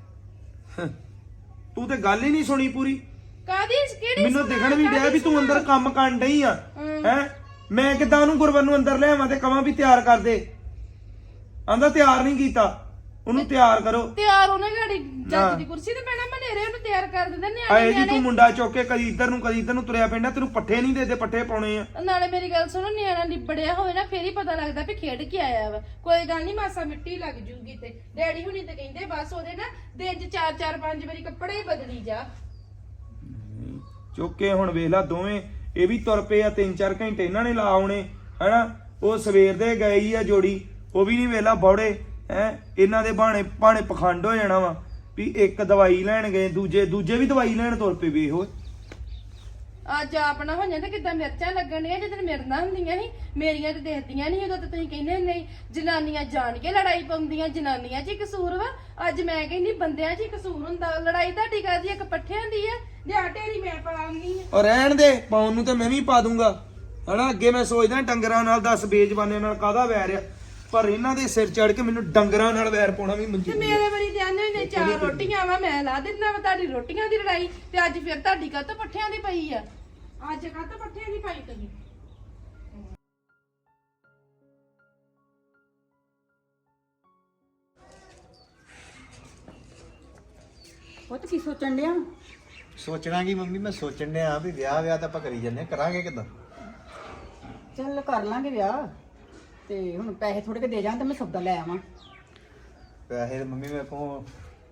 [SPEAKER 5] ਤੂੰ ਤੇ ਗੱਲ ਹੀ ਨਹੀਂ ਸੁਣੀ ਪੂਰੀ।
[SPEAKER 1] ਕਾਦੀ ਕਿਹੜੀ?
[SPEAKER 5] ਮੈਨੂੰ ਦਿਖਣ ਵੀ ਡਿਆ ਵੀ ਤੂੰ ਅੰਦਰ ਕੰਮ ਕਰਨ ਡਈ ਆ ਹੈ। ਮੈਂ ਕਿਦਾਂ ਉਹਨੂੰ ਗੁਰਵਰ ਨੂੰ ਅੰਦਰ ਲਿਆਵਾਂ ਤੇ ਕਵਾਂ ਵੀ ਤਿਆਰ ਕਰ ਦੇ? ਆਂਦਾ ਤਿਆਰ ਨਹੀਂ ਕੀਤਾ। ਉਹਨੂੰ ਤਿਆਰ ਕਰੋ।
[SPEAKER 1] ਤਿਆਰ ਉਹਨੇ ਗਾੜੀ ਜੱਜ ਦੀ ਕੁਰਸੀ ਤੇ ਬੈਣਾ, ਮਨੇਰੇ ਉਹਨੂੰ ਤਿਆਰ ਕਰ ਦਿੰਦੇ
[SPEAKER 5] ਆਏ ਜੀ
[SPEAKER 1] ਨਿਆਣੇ।
[SPEAKER 5] ਤੂੰ ਮੁੰਡਾ ਚੁੱਕ ਕੇ ਕਦੀ ਇੱਧਰ ਨੂੰ ਤੁਰਿਆ ਪੈਂਦਾ। ਤੈਨੂੰ ਪੱਠੇ ਨਹੀਂ ਦੇਦੇ, ਪੱਠੇ ਪਾਉਣੇ ਆ।
[SPEAKER 1] ਨਾਲੇ ਮੇਰੀ ਗੱਲ ਸੁਣੋ, ਨਿਆਣਾ ਲਿਬੜਿਆ ਹੋਵੇ ਨਾ ਫੇਰ ਹੀ ਪਤਾ ਲੱਗਦਾ ਵੀ ਖੇਡ ਕੇ ਆਇਆ ਵਾ। ਕੋਈ ਗੱਲ ਨਹੀਂ, ਮਾਸਾ ਮਿੱਟੀ ਲੱਗ ਜੂਗੀ। ਤੇ ਡੈਡੀ ਹੁਣੀ ਤੇ ਕਹਿੰਦੇ ਬਸ ਉਹਦੇ ਨਾ ਦਿਨ ਚ 4-5 ਵਾਰੀ ਕੱਪੜੇ ਹੀ ਬਦਲੀ ਜਾ।
[SPEAKER 5] ਚੁੱਕ ਕੇ ਹੁਣ ਵੇਖ ਲਾ ਦੋਵੇਂ ਇਹ ਵੀ ਤੁਰ ਪਏ ਆ। 3-4 ਘੰਟੇ ਇਹਨਾਂ ਨੇ ਲਾ ਆਉਣੇ ਹਨਾ। ਉਹ ਸਵੇਰ ਦੇ ਗਏ ਹੀ ਆ ਜੋੜੀ, ਉਹ ਵੀ ਨਹੀਂ ਵੇਲਾ ਬੌੜੇ ਹੈ। ਇਹਨਾਂ ਦੇ ਬਾਣੇ ਪਖੰਡ ਹੋ ਜਾਣਾ ਵਾ ਵੀ ਇੱਕ ਦਵਾਈ ਲੈਣ ਗਏ, ਦੂਜੇ ਵੀ ਦਵਾਈ ਲੈਣ ਤੁਰ ਪਏ। ਵੇਖ ਓਏ
[SPEAKER 1] ਅੱਜ ਆਪਣਾ ਹੋ ਜਾਂਦਾ ਕਿੱਦਾਂ ਮਿਰਚਾਂ ਲੱਗਣੀਆਂ ਜਦੋਂ ਮੇਰੇ ਨਾਲ ਹੁੰਦੀਆਂ ਸੀ। ਮੇਰੀਆਂ ਤੇ ਦੇਖਦੀਆਂ ਨਹੀਂ ਉਦੋਂ ਤਾਂ ਤੁਸੀਂ ਕਹਿੰਦੇ ਨਹੀਂ ਜਨਾਨੀਆਂ ਜਾਣ ਕੇ ਲੜਾਈ ਪਾਉਂਦੀਆਂ, ਜਨਾਨੀਆਂ 'ਚ ਹੀ ਕਸੂਰ ਵਾ। ਅੱਜ ਮੈਂ ਕਹਿੰਦੀ ਬੰਦਿਆਂ 'ਚ ਹੀ ਕਸੂਰ ਹੁੰਦਾ। ਲੜਾਈ ਤੁਹਾਡੀ ਕਰਦੀ ਇੱਕ ਪੱਠਿਆਂ ਦੀ ਆ, ਜਾਂ ਢੇਰੀ ਮੈਂ ਪਾਉਂਦੀ ਆ।
[SPEAKER 5] ਔਰ ਰਹਿਣ ਦੇ, ਪਾਉਣ ਨੂੰ ਤੇ ਮੈਂ ਵੀ ਪਾ ਦੂੰਗਾ ਹਨਾ। ਅੱਗੇ ਮੈਂ ਸੋਚਦਾ ਡੰਗਰਾਂ ਨਾਲ 10 ਬੇਜ਼ਬਾਨੇ ਨਾਲ ਕਾਹਦਾ ਵੈਰ ਆ, ਪਰ ਇਹਨਾਂ ਦੇ ਸਿਰ ਚੜ ਕੇ ਮੈਨੂੰ ਡੰਗਰਾਂ ਨਾਲ ਵੈਰ ਪਾਉਣਾ ਵੀ
[SPEAKER 1] ਤੇ
[SPEAKER 5] ਮਨਜ਼ੂਰ
[SPEAKER 1] ਮੇਰੇ ਵਾਰੀ ਜਾਣੇ ਨੇ 4 ਰੋਟੀਆਂ ਵਾ, ਮੈਂ ਲਾ ਦਿੰਦਾ ਵਾ ਤੁਹਾਡੀ ਰੋਟੀਆਂ ਦੀ ਲੜਾਈ। ਤੇ ਅੱਜ ਫਿਰ ਤੁਹਾਡੀ ਕਾਹਤੋਂ ਪੱਠਿਆਂ ਦੀ ਪਈ ਆ? ਅੱਜ ਕਾਹਤੋਂ ਪੱਠਿਆਂ ਦੀ ਪਾਈ ਤੁਸੀਂ?
[SPEAKER 7] ਉਹ ਤਾਂ ਕੀ ਸੋਚਣ ਡਿਆ?
[SPEAKER 8] ਸੋਚਣਾ ਕੀ ਮੰਮੀ, ਮੈਂ ਸੋਚਣ ਡਿਆ ਵੀ ਵਿਆਹ ਤਾਂ ਆਪਾਂ ਕਰੀ ਜੰਨੇ, ਕਰਾਂਗੇ ਕਿੱਦਾਂ?
[SPEAKER 7] ਚੱਲ ਕਰ ਲਾਂਗੇ ਵਿਆਹ। ਤੇ ਹੁਣ ਪੈਸੇ ਥੋੜੇ ਕੇ ਦੇ ਜਾਣ ਤੇ ਮੈਂ ਸੌਦਾ ਲੈ ਆਵਾਂ।
[SPEAKER 8] ਪੈਸੇ ਤੇ ਮੰਮੀ ਮੇਰੇ ਕੋਲ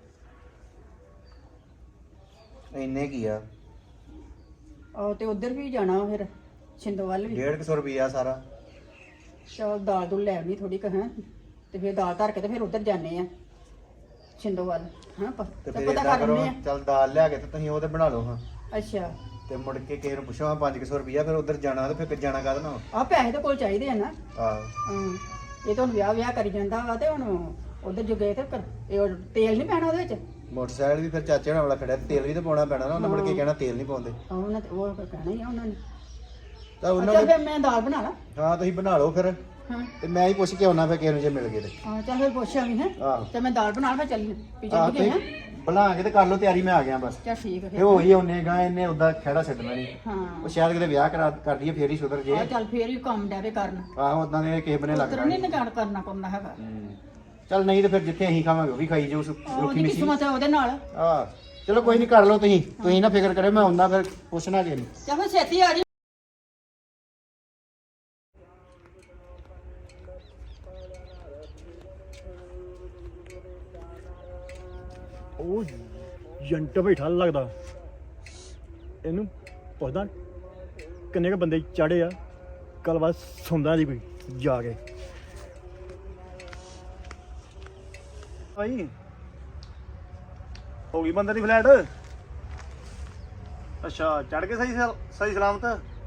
[SPEAKER 8] ਇੰਨੇ ਕੀ ਆ?
[SPEAKER 7] ਆਹ ਤੇ ਉਧਰ ਵੀ ਜਾਣਾ ਫਿਰ ਛਿੰਦੋ ਵੱਲ ਵੀ।
[SPEAKER 8] 150 ਰੁਪਿਆ ਸਾਰਾ।
[SPEAKER 7] ਚਲ ਦਾਲ ਦੂਲ ਲੈ ਆਉਣੀ ਥੋੜੀ ਕਹਾਂ, ਤੇ ਫਿਰ ਦਾਲ ਧਰ ਕੇ ਤੇ ਫਿਰ ਉਧਰ ਜਾਣੇ ਆ ਛਿੰਦੋ ਵੱਲ। ਹਾਂ
[SPEAKER 8] ਤੇ
[SPEAKER 7] ਪਤਾ
[SPEAKER 8] ਫਿਰ ਏਦਾਂ
[SPEAKER 7] ਕਰ
[SPEAKER 8] ਕਰੋ,
[SPEAKER 7] ਲੈਂਦੇ ਆ।
[SPEAKER 8] ਚੱਲ ਦਾਲ ਲਿਆ ਕੇ ਤੇ ਤੁਸੀਂ ਉਹਦੇ ਬਣਾ ਲਓ ਹਾਂ।
[SPEAKER 7] ਅੱਛਾ
[SPEAKER 8] ਤੇ ਮੁੜ ਕੇ ਕਿਸੇ ਨੂੰ ਪੁੱਛੋ 500 ਰੁਪਿਆ, ਫਿਰ ਉਧਰ ਜਾਣਾ ਤੇ ਫਿਰ ਜਾਣਾ ਕਾਹਦੇ ਨਾਲ?
[SPEAKER 7] ਆਹ ਪੈਸੇ ਤਾਂ ਕੋਲ ਚਾਹੀਦੇ ਆ ਨਾ।
[SPEAKER 8] ਆਹੋ
[SPEAKER 7] ਹਾਂ ਇਹ ਤਾਂ ਹੁਣ ਵਿਆਹ ਕਰੀ ਜਾਂਦਾ ਵਾ ਤੇ ਹੁਣ ਉਧਰ ਜੋ ਗਏ ਤੇ ਇਹ ਤੇਲ ਨਹੀਂ ਪੈਣਾ ਉਹਦੇ ਵਿੱਚ।
[SPEAKER 8] ਮੋਟਰਸਾਈਕਲ ਵੀ ਫਿਰ ਚਾਚੇ ਨਾਲ ਵਾਲਾ ਖੜਿਆ, ਤੇਲ ਵੀ ਤਾਂ ਪਾਉਣਾ ਪੈਣਾ ਨਾ। ਉਹਨਾਂ ਮੁੜ ਕੇ ਕਹਿਣਾ ਤੇਲ ਨਹੀਂ ਪਾਉਂਦੇ।
[SPEAKER 7] ਉਹਨਾਂ ਤੇ ਉਹ ਕਹਿਣਾ ਹੀ ਆ ਉਹਨਾਂ ਨੇ।
[SPEAKER 8] ਤਾਂ ਉਹਨਾਂ
[SPEAKER 7] ਚੱਲ
[SPEAKER 8] ਨੇ
[SPEAKER 7] ਫਿਰ ਮੈਂ ਦਾਲ ਬਣਾ ਲਾ।
[SPEAKER 8] ਹਾਂ ਤੁਸੀਂ ਬਣਾ ਲਓ ਫਿਰ,
[SPEAKER 7] ਹਾਂ
[SPEAKER 8] ਤੇ ਮੈਂ ਹੀ ਪੁੱਛ ਕੇ ਆਉਣਾ ਫਿਰ ਕਿਸੇ ਨੂੰ ਜੇ ਮਿਲ ਗਏ ਤੇ।
[SPEAKER 7] ਹਾਂ ਚੱਲ ਫਿਰ ਪੁੱਛਿਆ ਵੀ ਹੈ।
[SPEAKER 8] ਆਹੋ
[SPEAKER 7] ਤੇ ਮੈਂ ਦਾਲ ਬਣਾ ਲਾ, ਚੱਲੀ ਵੀ
[SPEAKER 8] ਆਹ
[SPEAKER 7] ਚੱਲ ਗਏ ਹੈ।
[SPEAKER 8] ਤੁਸੀਂ ਬਣਾ ਕੇ ਤੇ ਕਰ ਲਓ ਤਿਆਰੀ, ਮੈਂ ਆ ਗਿਆ ਬਸ।
[SPEAKER 7] ਚੱਲ ਠੀਕ ਹੈ
[SPEAKER 8] ਇਹ
[SPEAKER 7] ਫਿਰ।
[SPEAKER 8] ਹੋ ਹੀ ਆਉਨੇ ਗਾ, ਇਹਨੇ ਉਦਾਂ ਖਹਿੜਾ ਛੱਡਣਾ ਨਹੀਂ।
[SPEAKER 7] ਹਾਂ
[SPEAKER 8] ਉਹ ਸ਼ਾਇਦ ਕਿਤੇ ਵਿਆਹ ਕਰ ਦਈਏ ਫੇਰ ਹੀ ਸੁਧਰ ਜੇ।
[SPEAKER 7] ਆਹ ਚੱਲ ਫੇਰ ਵੀ ਕੰਮ ਡੈਵੇ ਕਰਨ।
[SPEAKER 8] ਆਹੋ ਉਦਾਂ ਦੇ ਕਿਸੇ ਬਨੇ
[SPEAKER 7] ਉਤਰ
[SPEAKER 8] ਲੱਗਦਾ
[SPEAKER 7] ਨਹੀਂ ਨਿਗਾੜ ਕਰਨਾ ਪਉਂਦਾ ਹੈਗਾ।
[SPEAKER 8] ਚੱਲ ਨਹੀਂ ਤੇ ਫਿਰ ਜਿੱਥੇ ਅਸੀਂ ਖਾਵਾਂਗੇ ਉਹ ਵੀ ਖਾਈ ਜਾਓ ਰੁੱਖੀ
[SPEAKER 7] ਉਹਦੀ
[SPEAKER 8] ਮਿੱਠੀ।
[SPEAKER 7] ਕਿਸਮਤ ਹੈ ਉਹਦੇ ਨਾਲ।
[SPEAKER 8] ਆਹ ਚਲੋ ਕੋਈ ਨਹੀਂ, ਕਰ ਲਓ ਤੁਸੀਂ ਨਾ ਫਿਕਰ ਕਰਿਓ, ਮੈਂ ਆਉਣਾ ਫਿਰ ਪੁੱਛਣਾ ਕਿ ਨਹੀਂ।
[SPEAKER 7] ਚੱਲ ਫਿਰ ਛੇਤੀ ਆ ਜੀ।
[SPEAKER 8] ਉਹ ਜੰਟ ਬੈਠਾ ਲੱਗਦਾ, ਇਹਨੂੰ ਪੁੱਛਦਾ ਕਿੰਨੇ ਕ ਬੰਦੇ ਚੜੇ ਆ। ਕੱਲ ਬਾਅਦ ਸੁਣਦਾ ਜੀ ਕੋਈ ਜਾ ਕੇ।
[SPEAKER 9] ਭਾਈ ਹੋ ਗਈ ਬੰਦੇ ਦੀ ਫਲੈਟ ਅੱਛਾ ਚੜ ਕੇ ਸਹੀ ਸਲਾਮਤ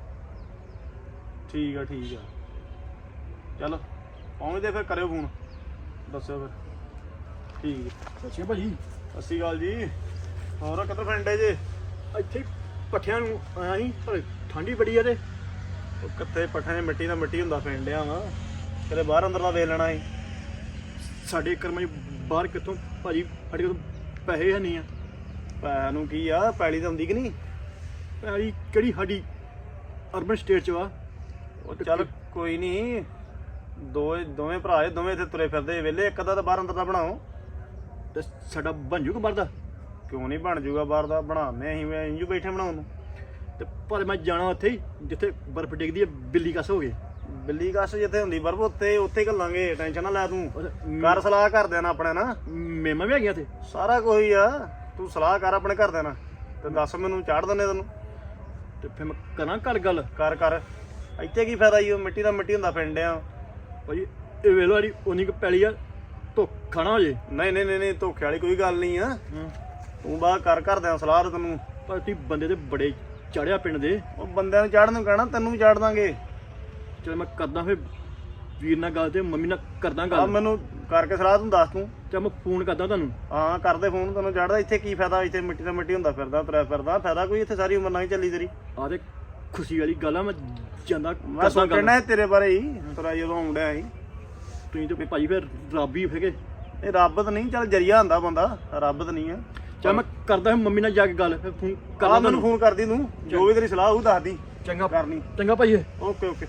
[SPEAKER 9] ਠੀਕ ਆ ਚਲੋ ਪਹੁੰਚਦੇ ਫਿਰ ਕਰਿਓ ਫੋਨ ਦੱਸਿਓ ਫਿਰ ਠੀਕ
[SPEAKER 8] ਅੱਛਾ ਭਾਜੀ
[SPEAKER 9] ਸਤਿ ਸ਼੍ਰੀ ਅਕਾਲ ਜੀ ਹੋਰ ਕਿੱਧਰ ਫਰੈਂਡੇ ਜੇ
[SPEAKER 8] ਇੱਥੇ ਪੱਠਿਆਂ ਨੂੰ ਆਇਆ ਸੀ ਪਰ ਠੰਡੀ ਬੜੀ ਆ ਤੇ
[SPEAKER 9] ਉਹ ਕਿੱਥੇ ਪੱਠਿਆਂ 'ਚ ਮਿੱਟੀ ਦਾ ਮਿੱਟੀ ਹੁੰਦਾ ਫੈਂਡਿਆ ਵਾ ਕਿਤੇ ਬਾਹਰ ਅੰਦਰ ਦਾ ਵੇਚ ਲੈਣਾ ਸੀ
[SPEAKER 8] ਸਾਡੇ ਕਰਮਾਂ 'ਚ ਬਾਹਰ ਕਿੱਥੋਂ ਭਾਜੀ ਸਾਡੇ ਕੋਲ ਪੈਸੇ ਹੈ ਨਹੀਂ ਆ
[SPEAKER 9] ਪੈਸਿਆਂ ਨੂੰ ਕੀ ਆ ਪੈਲੀ ਤਾਂ ਹੁੰਦੀ ਕਿ ਨਹੀਂ
[SPEAKER 8] ਪੈਲੀ ਕਿਹੜੀ ਸਾਡੀ ਅਰਬਨ ਸਟੇਟ 'ਚ ਵਾ
[SPEAKER 9] ਉਹ ਚੱਲ ਕੋਈ ਨਹੀਂ ਦੋਵੇਂ ਭਰਾ ਏ ਦੋਵੇਂ ਇੱਥੇ ਤੁਰੇ ਫਿਰਦੇ ਵਿਹਲੇ ਇੱਕ ਅੱਧਾ ਤਾਂ ਬਾਹਰ ਅੰਦਰ ਦਾ ਬਣਾਓ
[SPEAKER 8] ਤੇ ਸਾਡਾ ਬਣ ਜੂਗਾ ਬਾਹਰ ਦਾ
[SPEAKER 9] ਕਿਉਂ ਨਹੀਂ ਬਣ ਜੂਗਾ ਬਾਹਰ ਦਾ ਬਣਾਉਂਦੇ ਅਸੀਂ ਇੰਜੂ ਬੈਠੇ ਬਣਾਉਣ ਨੂੰ
[SPEAKER 8] ਤੇ ਪਰ ਮੈਂ ਜਾਣਾ ਉੱਥੇ ਹੀ ਜਿੱਥੇ ਬਰਫ਼ ਡਿੱਗਦੀ ਹੈ ਬਿੱਲੀ ਕੱਸ ਹੋ ਗਏ
[SPEAKER 9] ਬਿੱਲੀ ਕੱਸ ਜਿੱਥੇ ਹੁੰਦੀ ਬਰਫ ਉੱਥੇ ਘੱਲਾਂਗੇ ਟੈਨਸ਼ਨ ਨਾ ਲੈ ਤੂੰ ਕਰ ਸਲਾਹ ਘਰਦਿਆਂ ਨਾਲ ਆਪਣੇ ਨਾਲ
[SPEAKER 8] ਮੇਮਾ ਵੀ ਆ ਗਿਆ ਤੇ
[SPEAKER 9] ਸਾਰਾ ਕੁਝ ਆ ਤੂੰ ਸਲਾਹ ਕਰ ਆਪਣੇ ਘਰਦਿਆਂ ਨਾਲ ਤੇ ਦੱਸ ਮੈਨੂੰ ਚਾੜ ਦਿੰਦੇ ਤੈਨੂੰ
[SPEAKER 8] ਤੇ ਫਿਰ ਮੈਂ ਕਰਾਂ ਘਰ ਗੱਲ
[SPEAKER 9] ਕਰ ਇੱਥੇ ਕੀ ਫਾਇਦਾ ਈ ਉਹ ਮਿੱਟੀ ਦਾ ਮਿੱਟੀ ਹੁੰਦਾ ਫਿੰਡਿਆ
[SPEAKER 8] ਭਾਜੀ ਇਹ ਵੇਲੋ ਵਾਲੀ ਉਨੀ ਕੁ ਪੈਲੀ ਆ ਧੋਖਾ ਨਾ ਹੋ ਜੇ
[SPEAKER 9] ਨਹੀਂ ਧੋਖੇ ਵਾਲੀ ਕੋਈ ਗੱਲ ਨਹੀਂ ਆ ਤੂੰ ਬਾਹਰ ਕਰ ਘਰਦਿਆਂ ਸਲਾਹ ਤੇ ਤੈਨੂੰ
[SPEAKER 8] ਪਰ ਤੁਸੀਂ ਬੰਦੇ ਤੇ ਬੜੇ ਚੜਿਆ ਪਿੰਡ ਦੇ
[SPEAKER 9] ਉਹ ਬੰਦਿਆਂ ਨੂੰ ਚਾੜਨ ਨੂੰ ਕਹਿਣਾ ਤੈਨੂੰ ਵੀ ਚਾੜ ਦਾਂਗੇ
[SPEAKER 8] ਚਲ ਮੈਂ ਕਰਦਾ ਫਿਰ ਵੀਰ ਨਾਲ ਗੱਲ ਤੇ ਮੰਮੀ ਨਾਲ ਕਰਦਾ
[SPEAKER 9] ਆ
[SPEAKER 8] ਗੱਲ
[SPEAKER 9] ਮੈਨੂੰ ਕਰਕੇ ਸਲਾਹ ਤੂੰ ਦੱਸ ਤੂੰ
[SPEAKER 8] ਚਲ ਮੈਂ ਫੋਨ ਕਰਦਾ ਤੁਹਾਨੂੰ
[SPEAKER 9] ਹਾਂ ਕਰਦੇ ਫੋਨ ਤੈਨੂੰ ਚੜਦਾ ਇੱਥੇ ਕੀ ਫਾਇਦਾ ਇੱਥੇ ਮਿੱਟੀ ਦਾ ਮਿੱਟੀ ਹੁੰਦਾ ਫਿਰਦਾ ਤੁਰਿਆ ਫਿਰਦਾ ਫਾਇਦਾ ਕੋਈ ਇੱਥੇ ਸਾਰੀ ਉਮਰ ਨਹੀਂ ਚੱਲੀ ਤੇਰੀ
[SPEAKER 8] ਆ ਤੇ ਖੁਸ਼ੀ ਵਾਲੀ ਗੱਲ ਆ ਮੈਂ ਜਾਂਦਾ
[SPEAKER 9] ਮੈਂ
[SPEAKER 8] ਕਰਦਾ ਗੱਲ
[SPEAKER 9] ਸੋਚਣਾ ਤੇਰੇ ਬਾਰੇ ਹੀ ਤੁਰਾ ਜਦੋਂ ਆਉਂਦਿਆ ਸੀ
[SPEAKER 8] ਤੁਸੀਂ ਤੇ ਭਾਜੀ ਫਿਰ ਰੱਬ ਹੀ ਫੇਗੇ
[SPEAKER 9] ਇਹ ਰੱਬ ਤਾਂ ਨਹੀਂ ਚੱਲ ਜਰੀਆ ਹੁੰਦਾ ਬੰਦਾ ਰੱਬ ਤਾਂ ਨਹੀਂ ਆ
[SPEAKER 8] ਚਲ ਮੈਂ ਕਰਦਾ ਫਿਰ ਮੰਮੀ ਨਾਲ ਜਾ ਕੇ ਗੱਲ ਫਿਰ ਫੋਨ
[SPEAKER 9] ਕੱਲ
[SPEAKER 8] ਕਰਦਾ
[SPEAKER 9] ਮੈਨੂੰ ਫੋਨ ਕਰਦੀ ਤੂੰ ਜੋ ਵੀ ਤੇਰੀ ਸਲਾਹ ਉਹ ਦੱਸਦੀ
[SPEAKER 8] ਚੰਗਾ
[SPEAKER 9] ਕਰਨੀ
[SPEAKER 8] ਚੰਗਾ ਭਾਜੀ
[SPEAKER 9] ਓਕੇ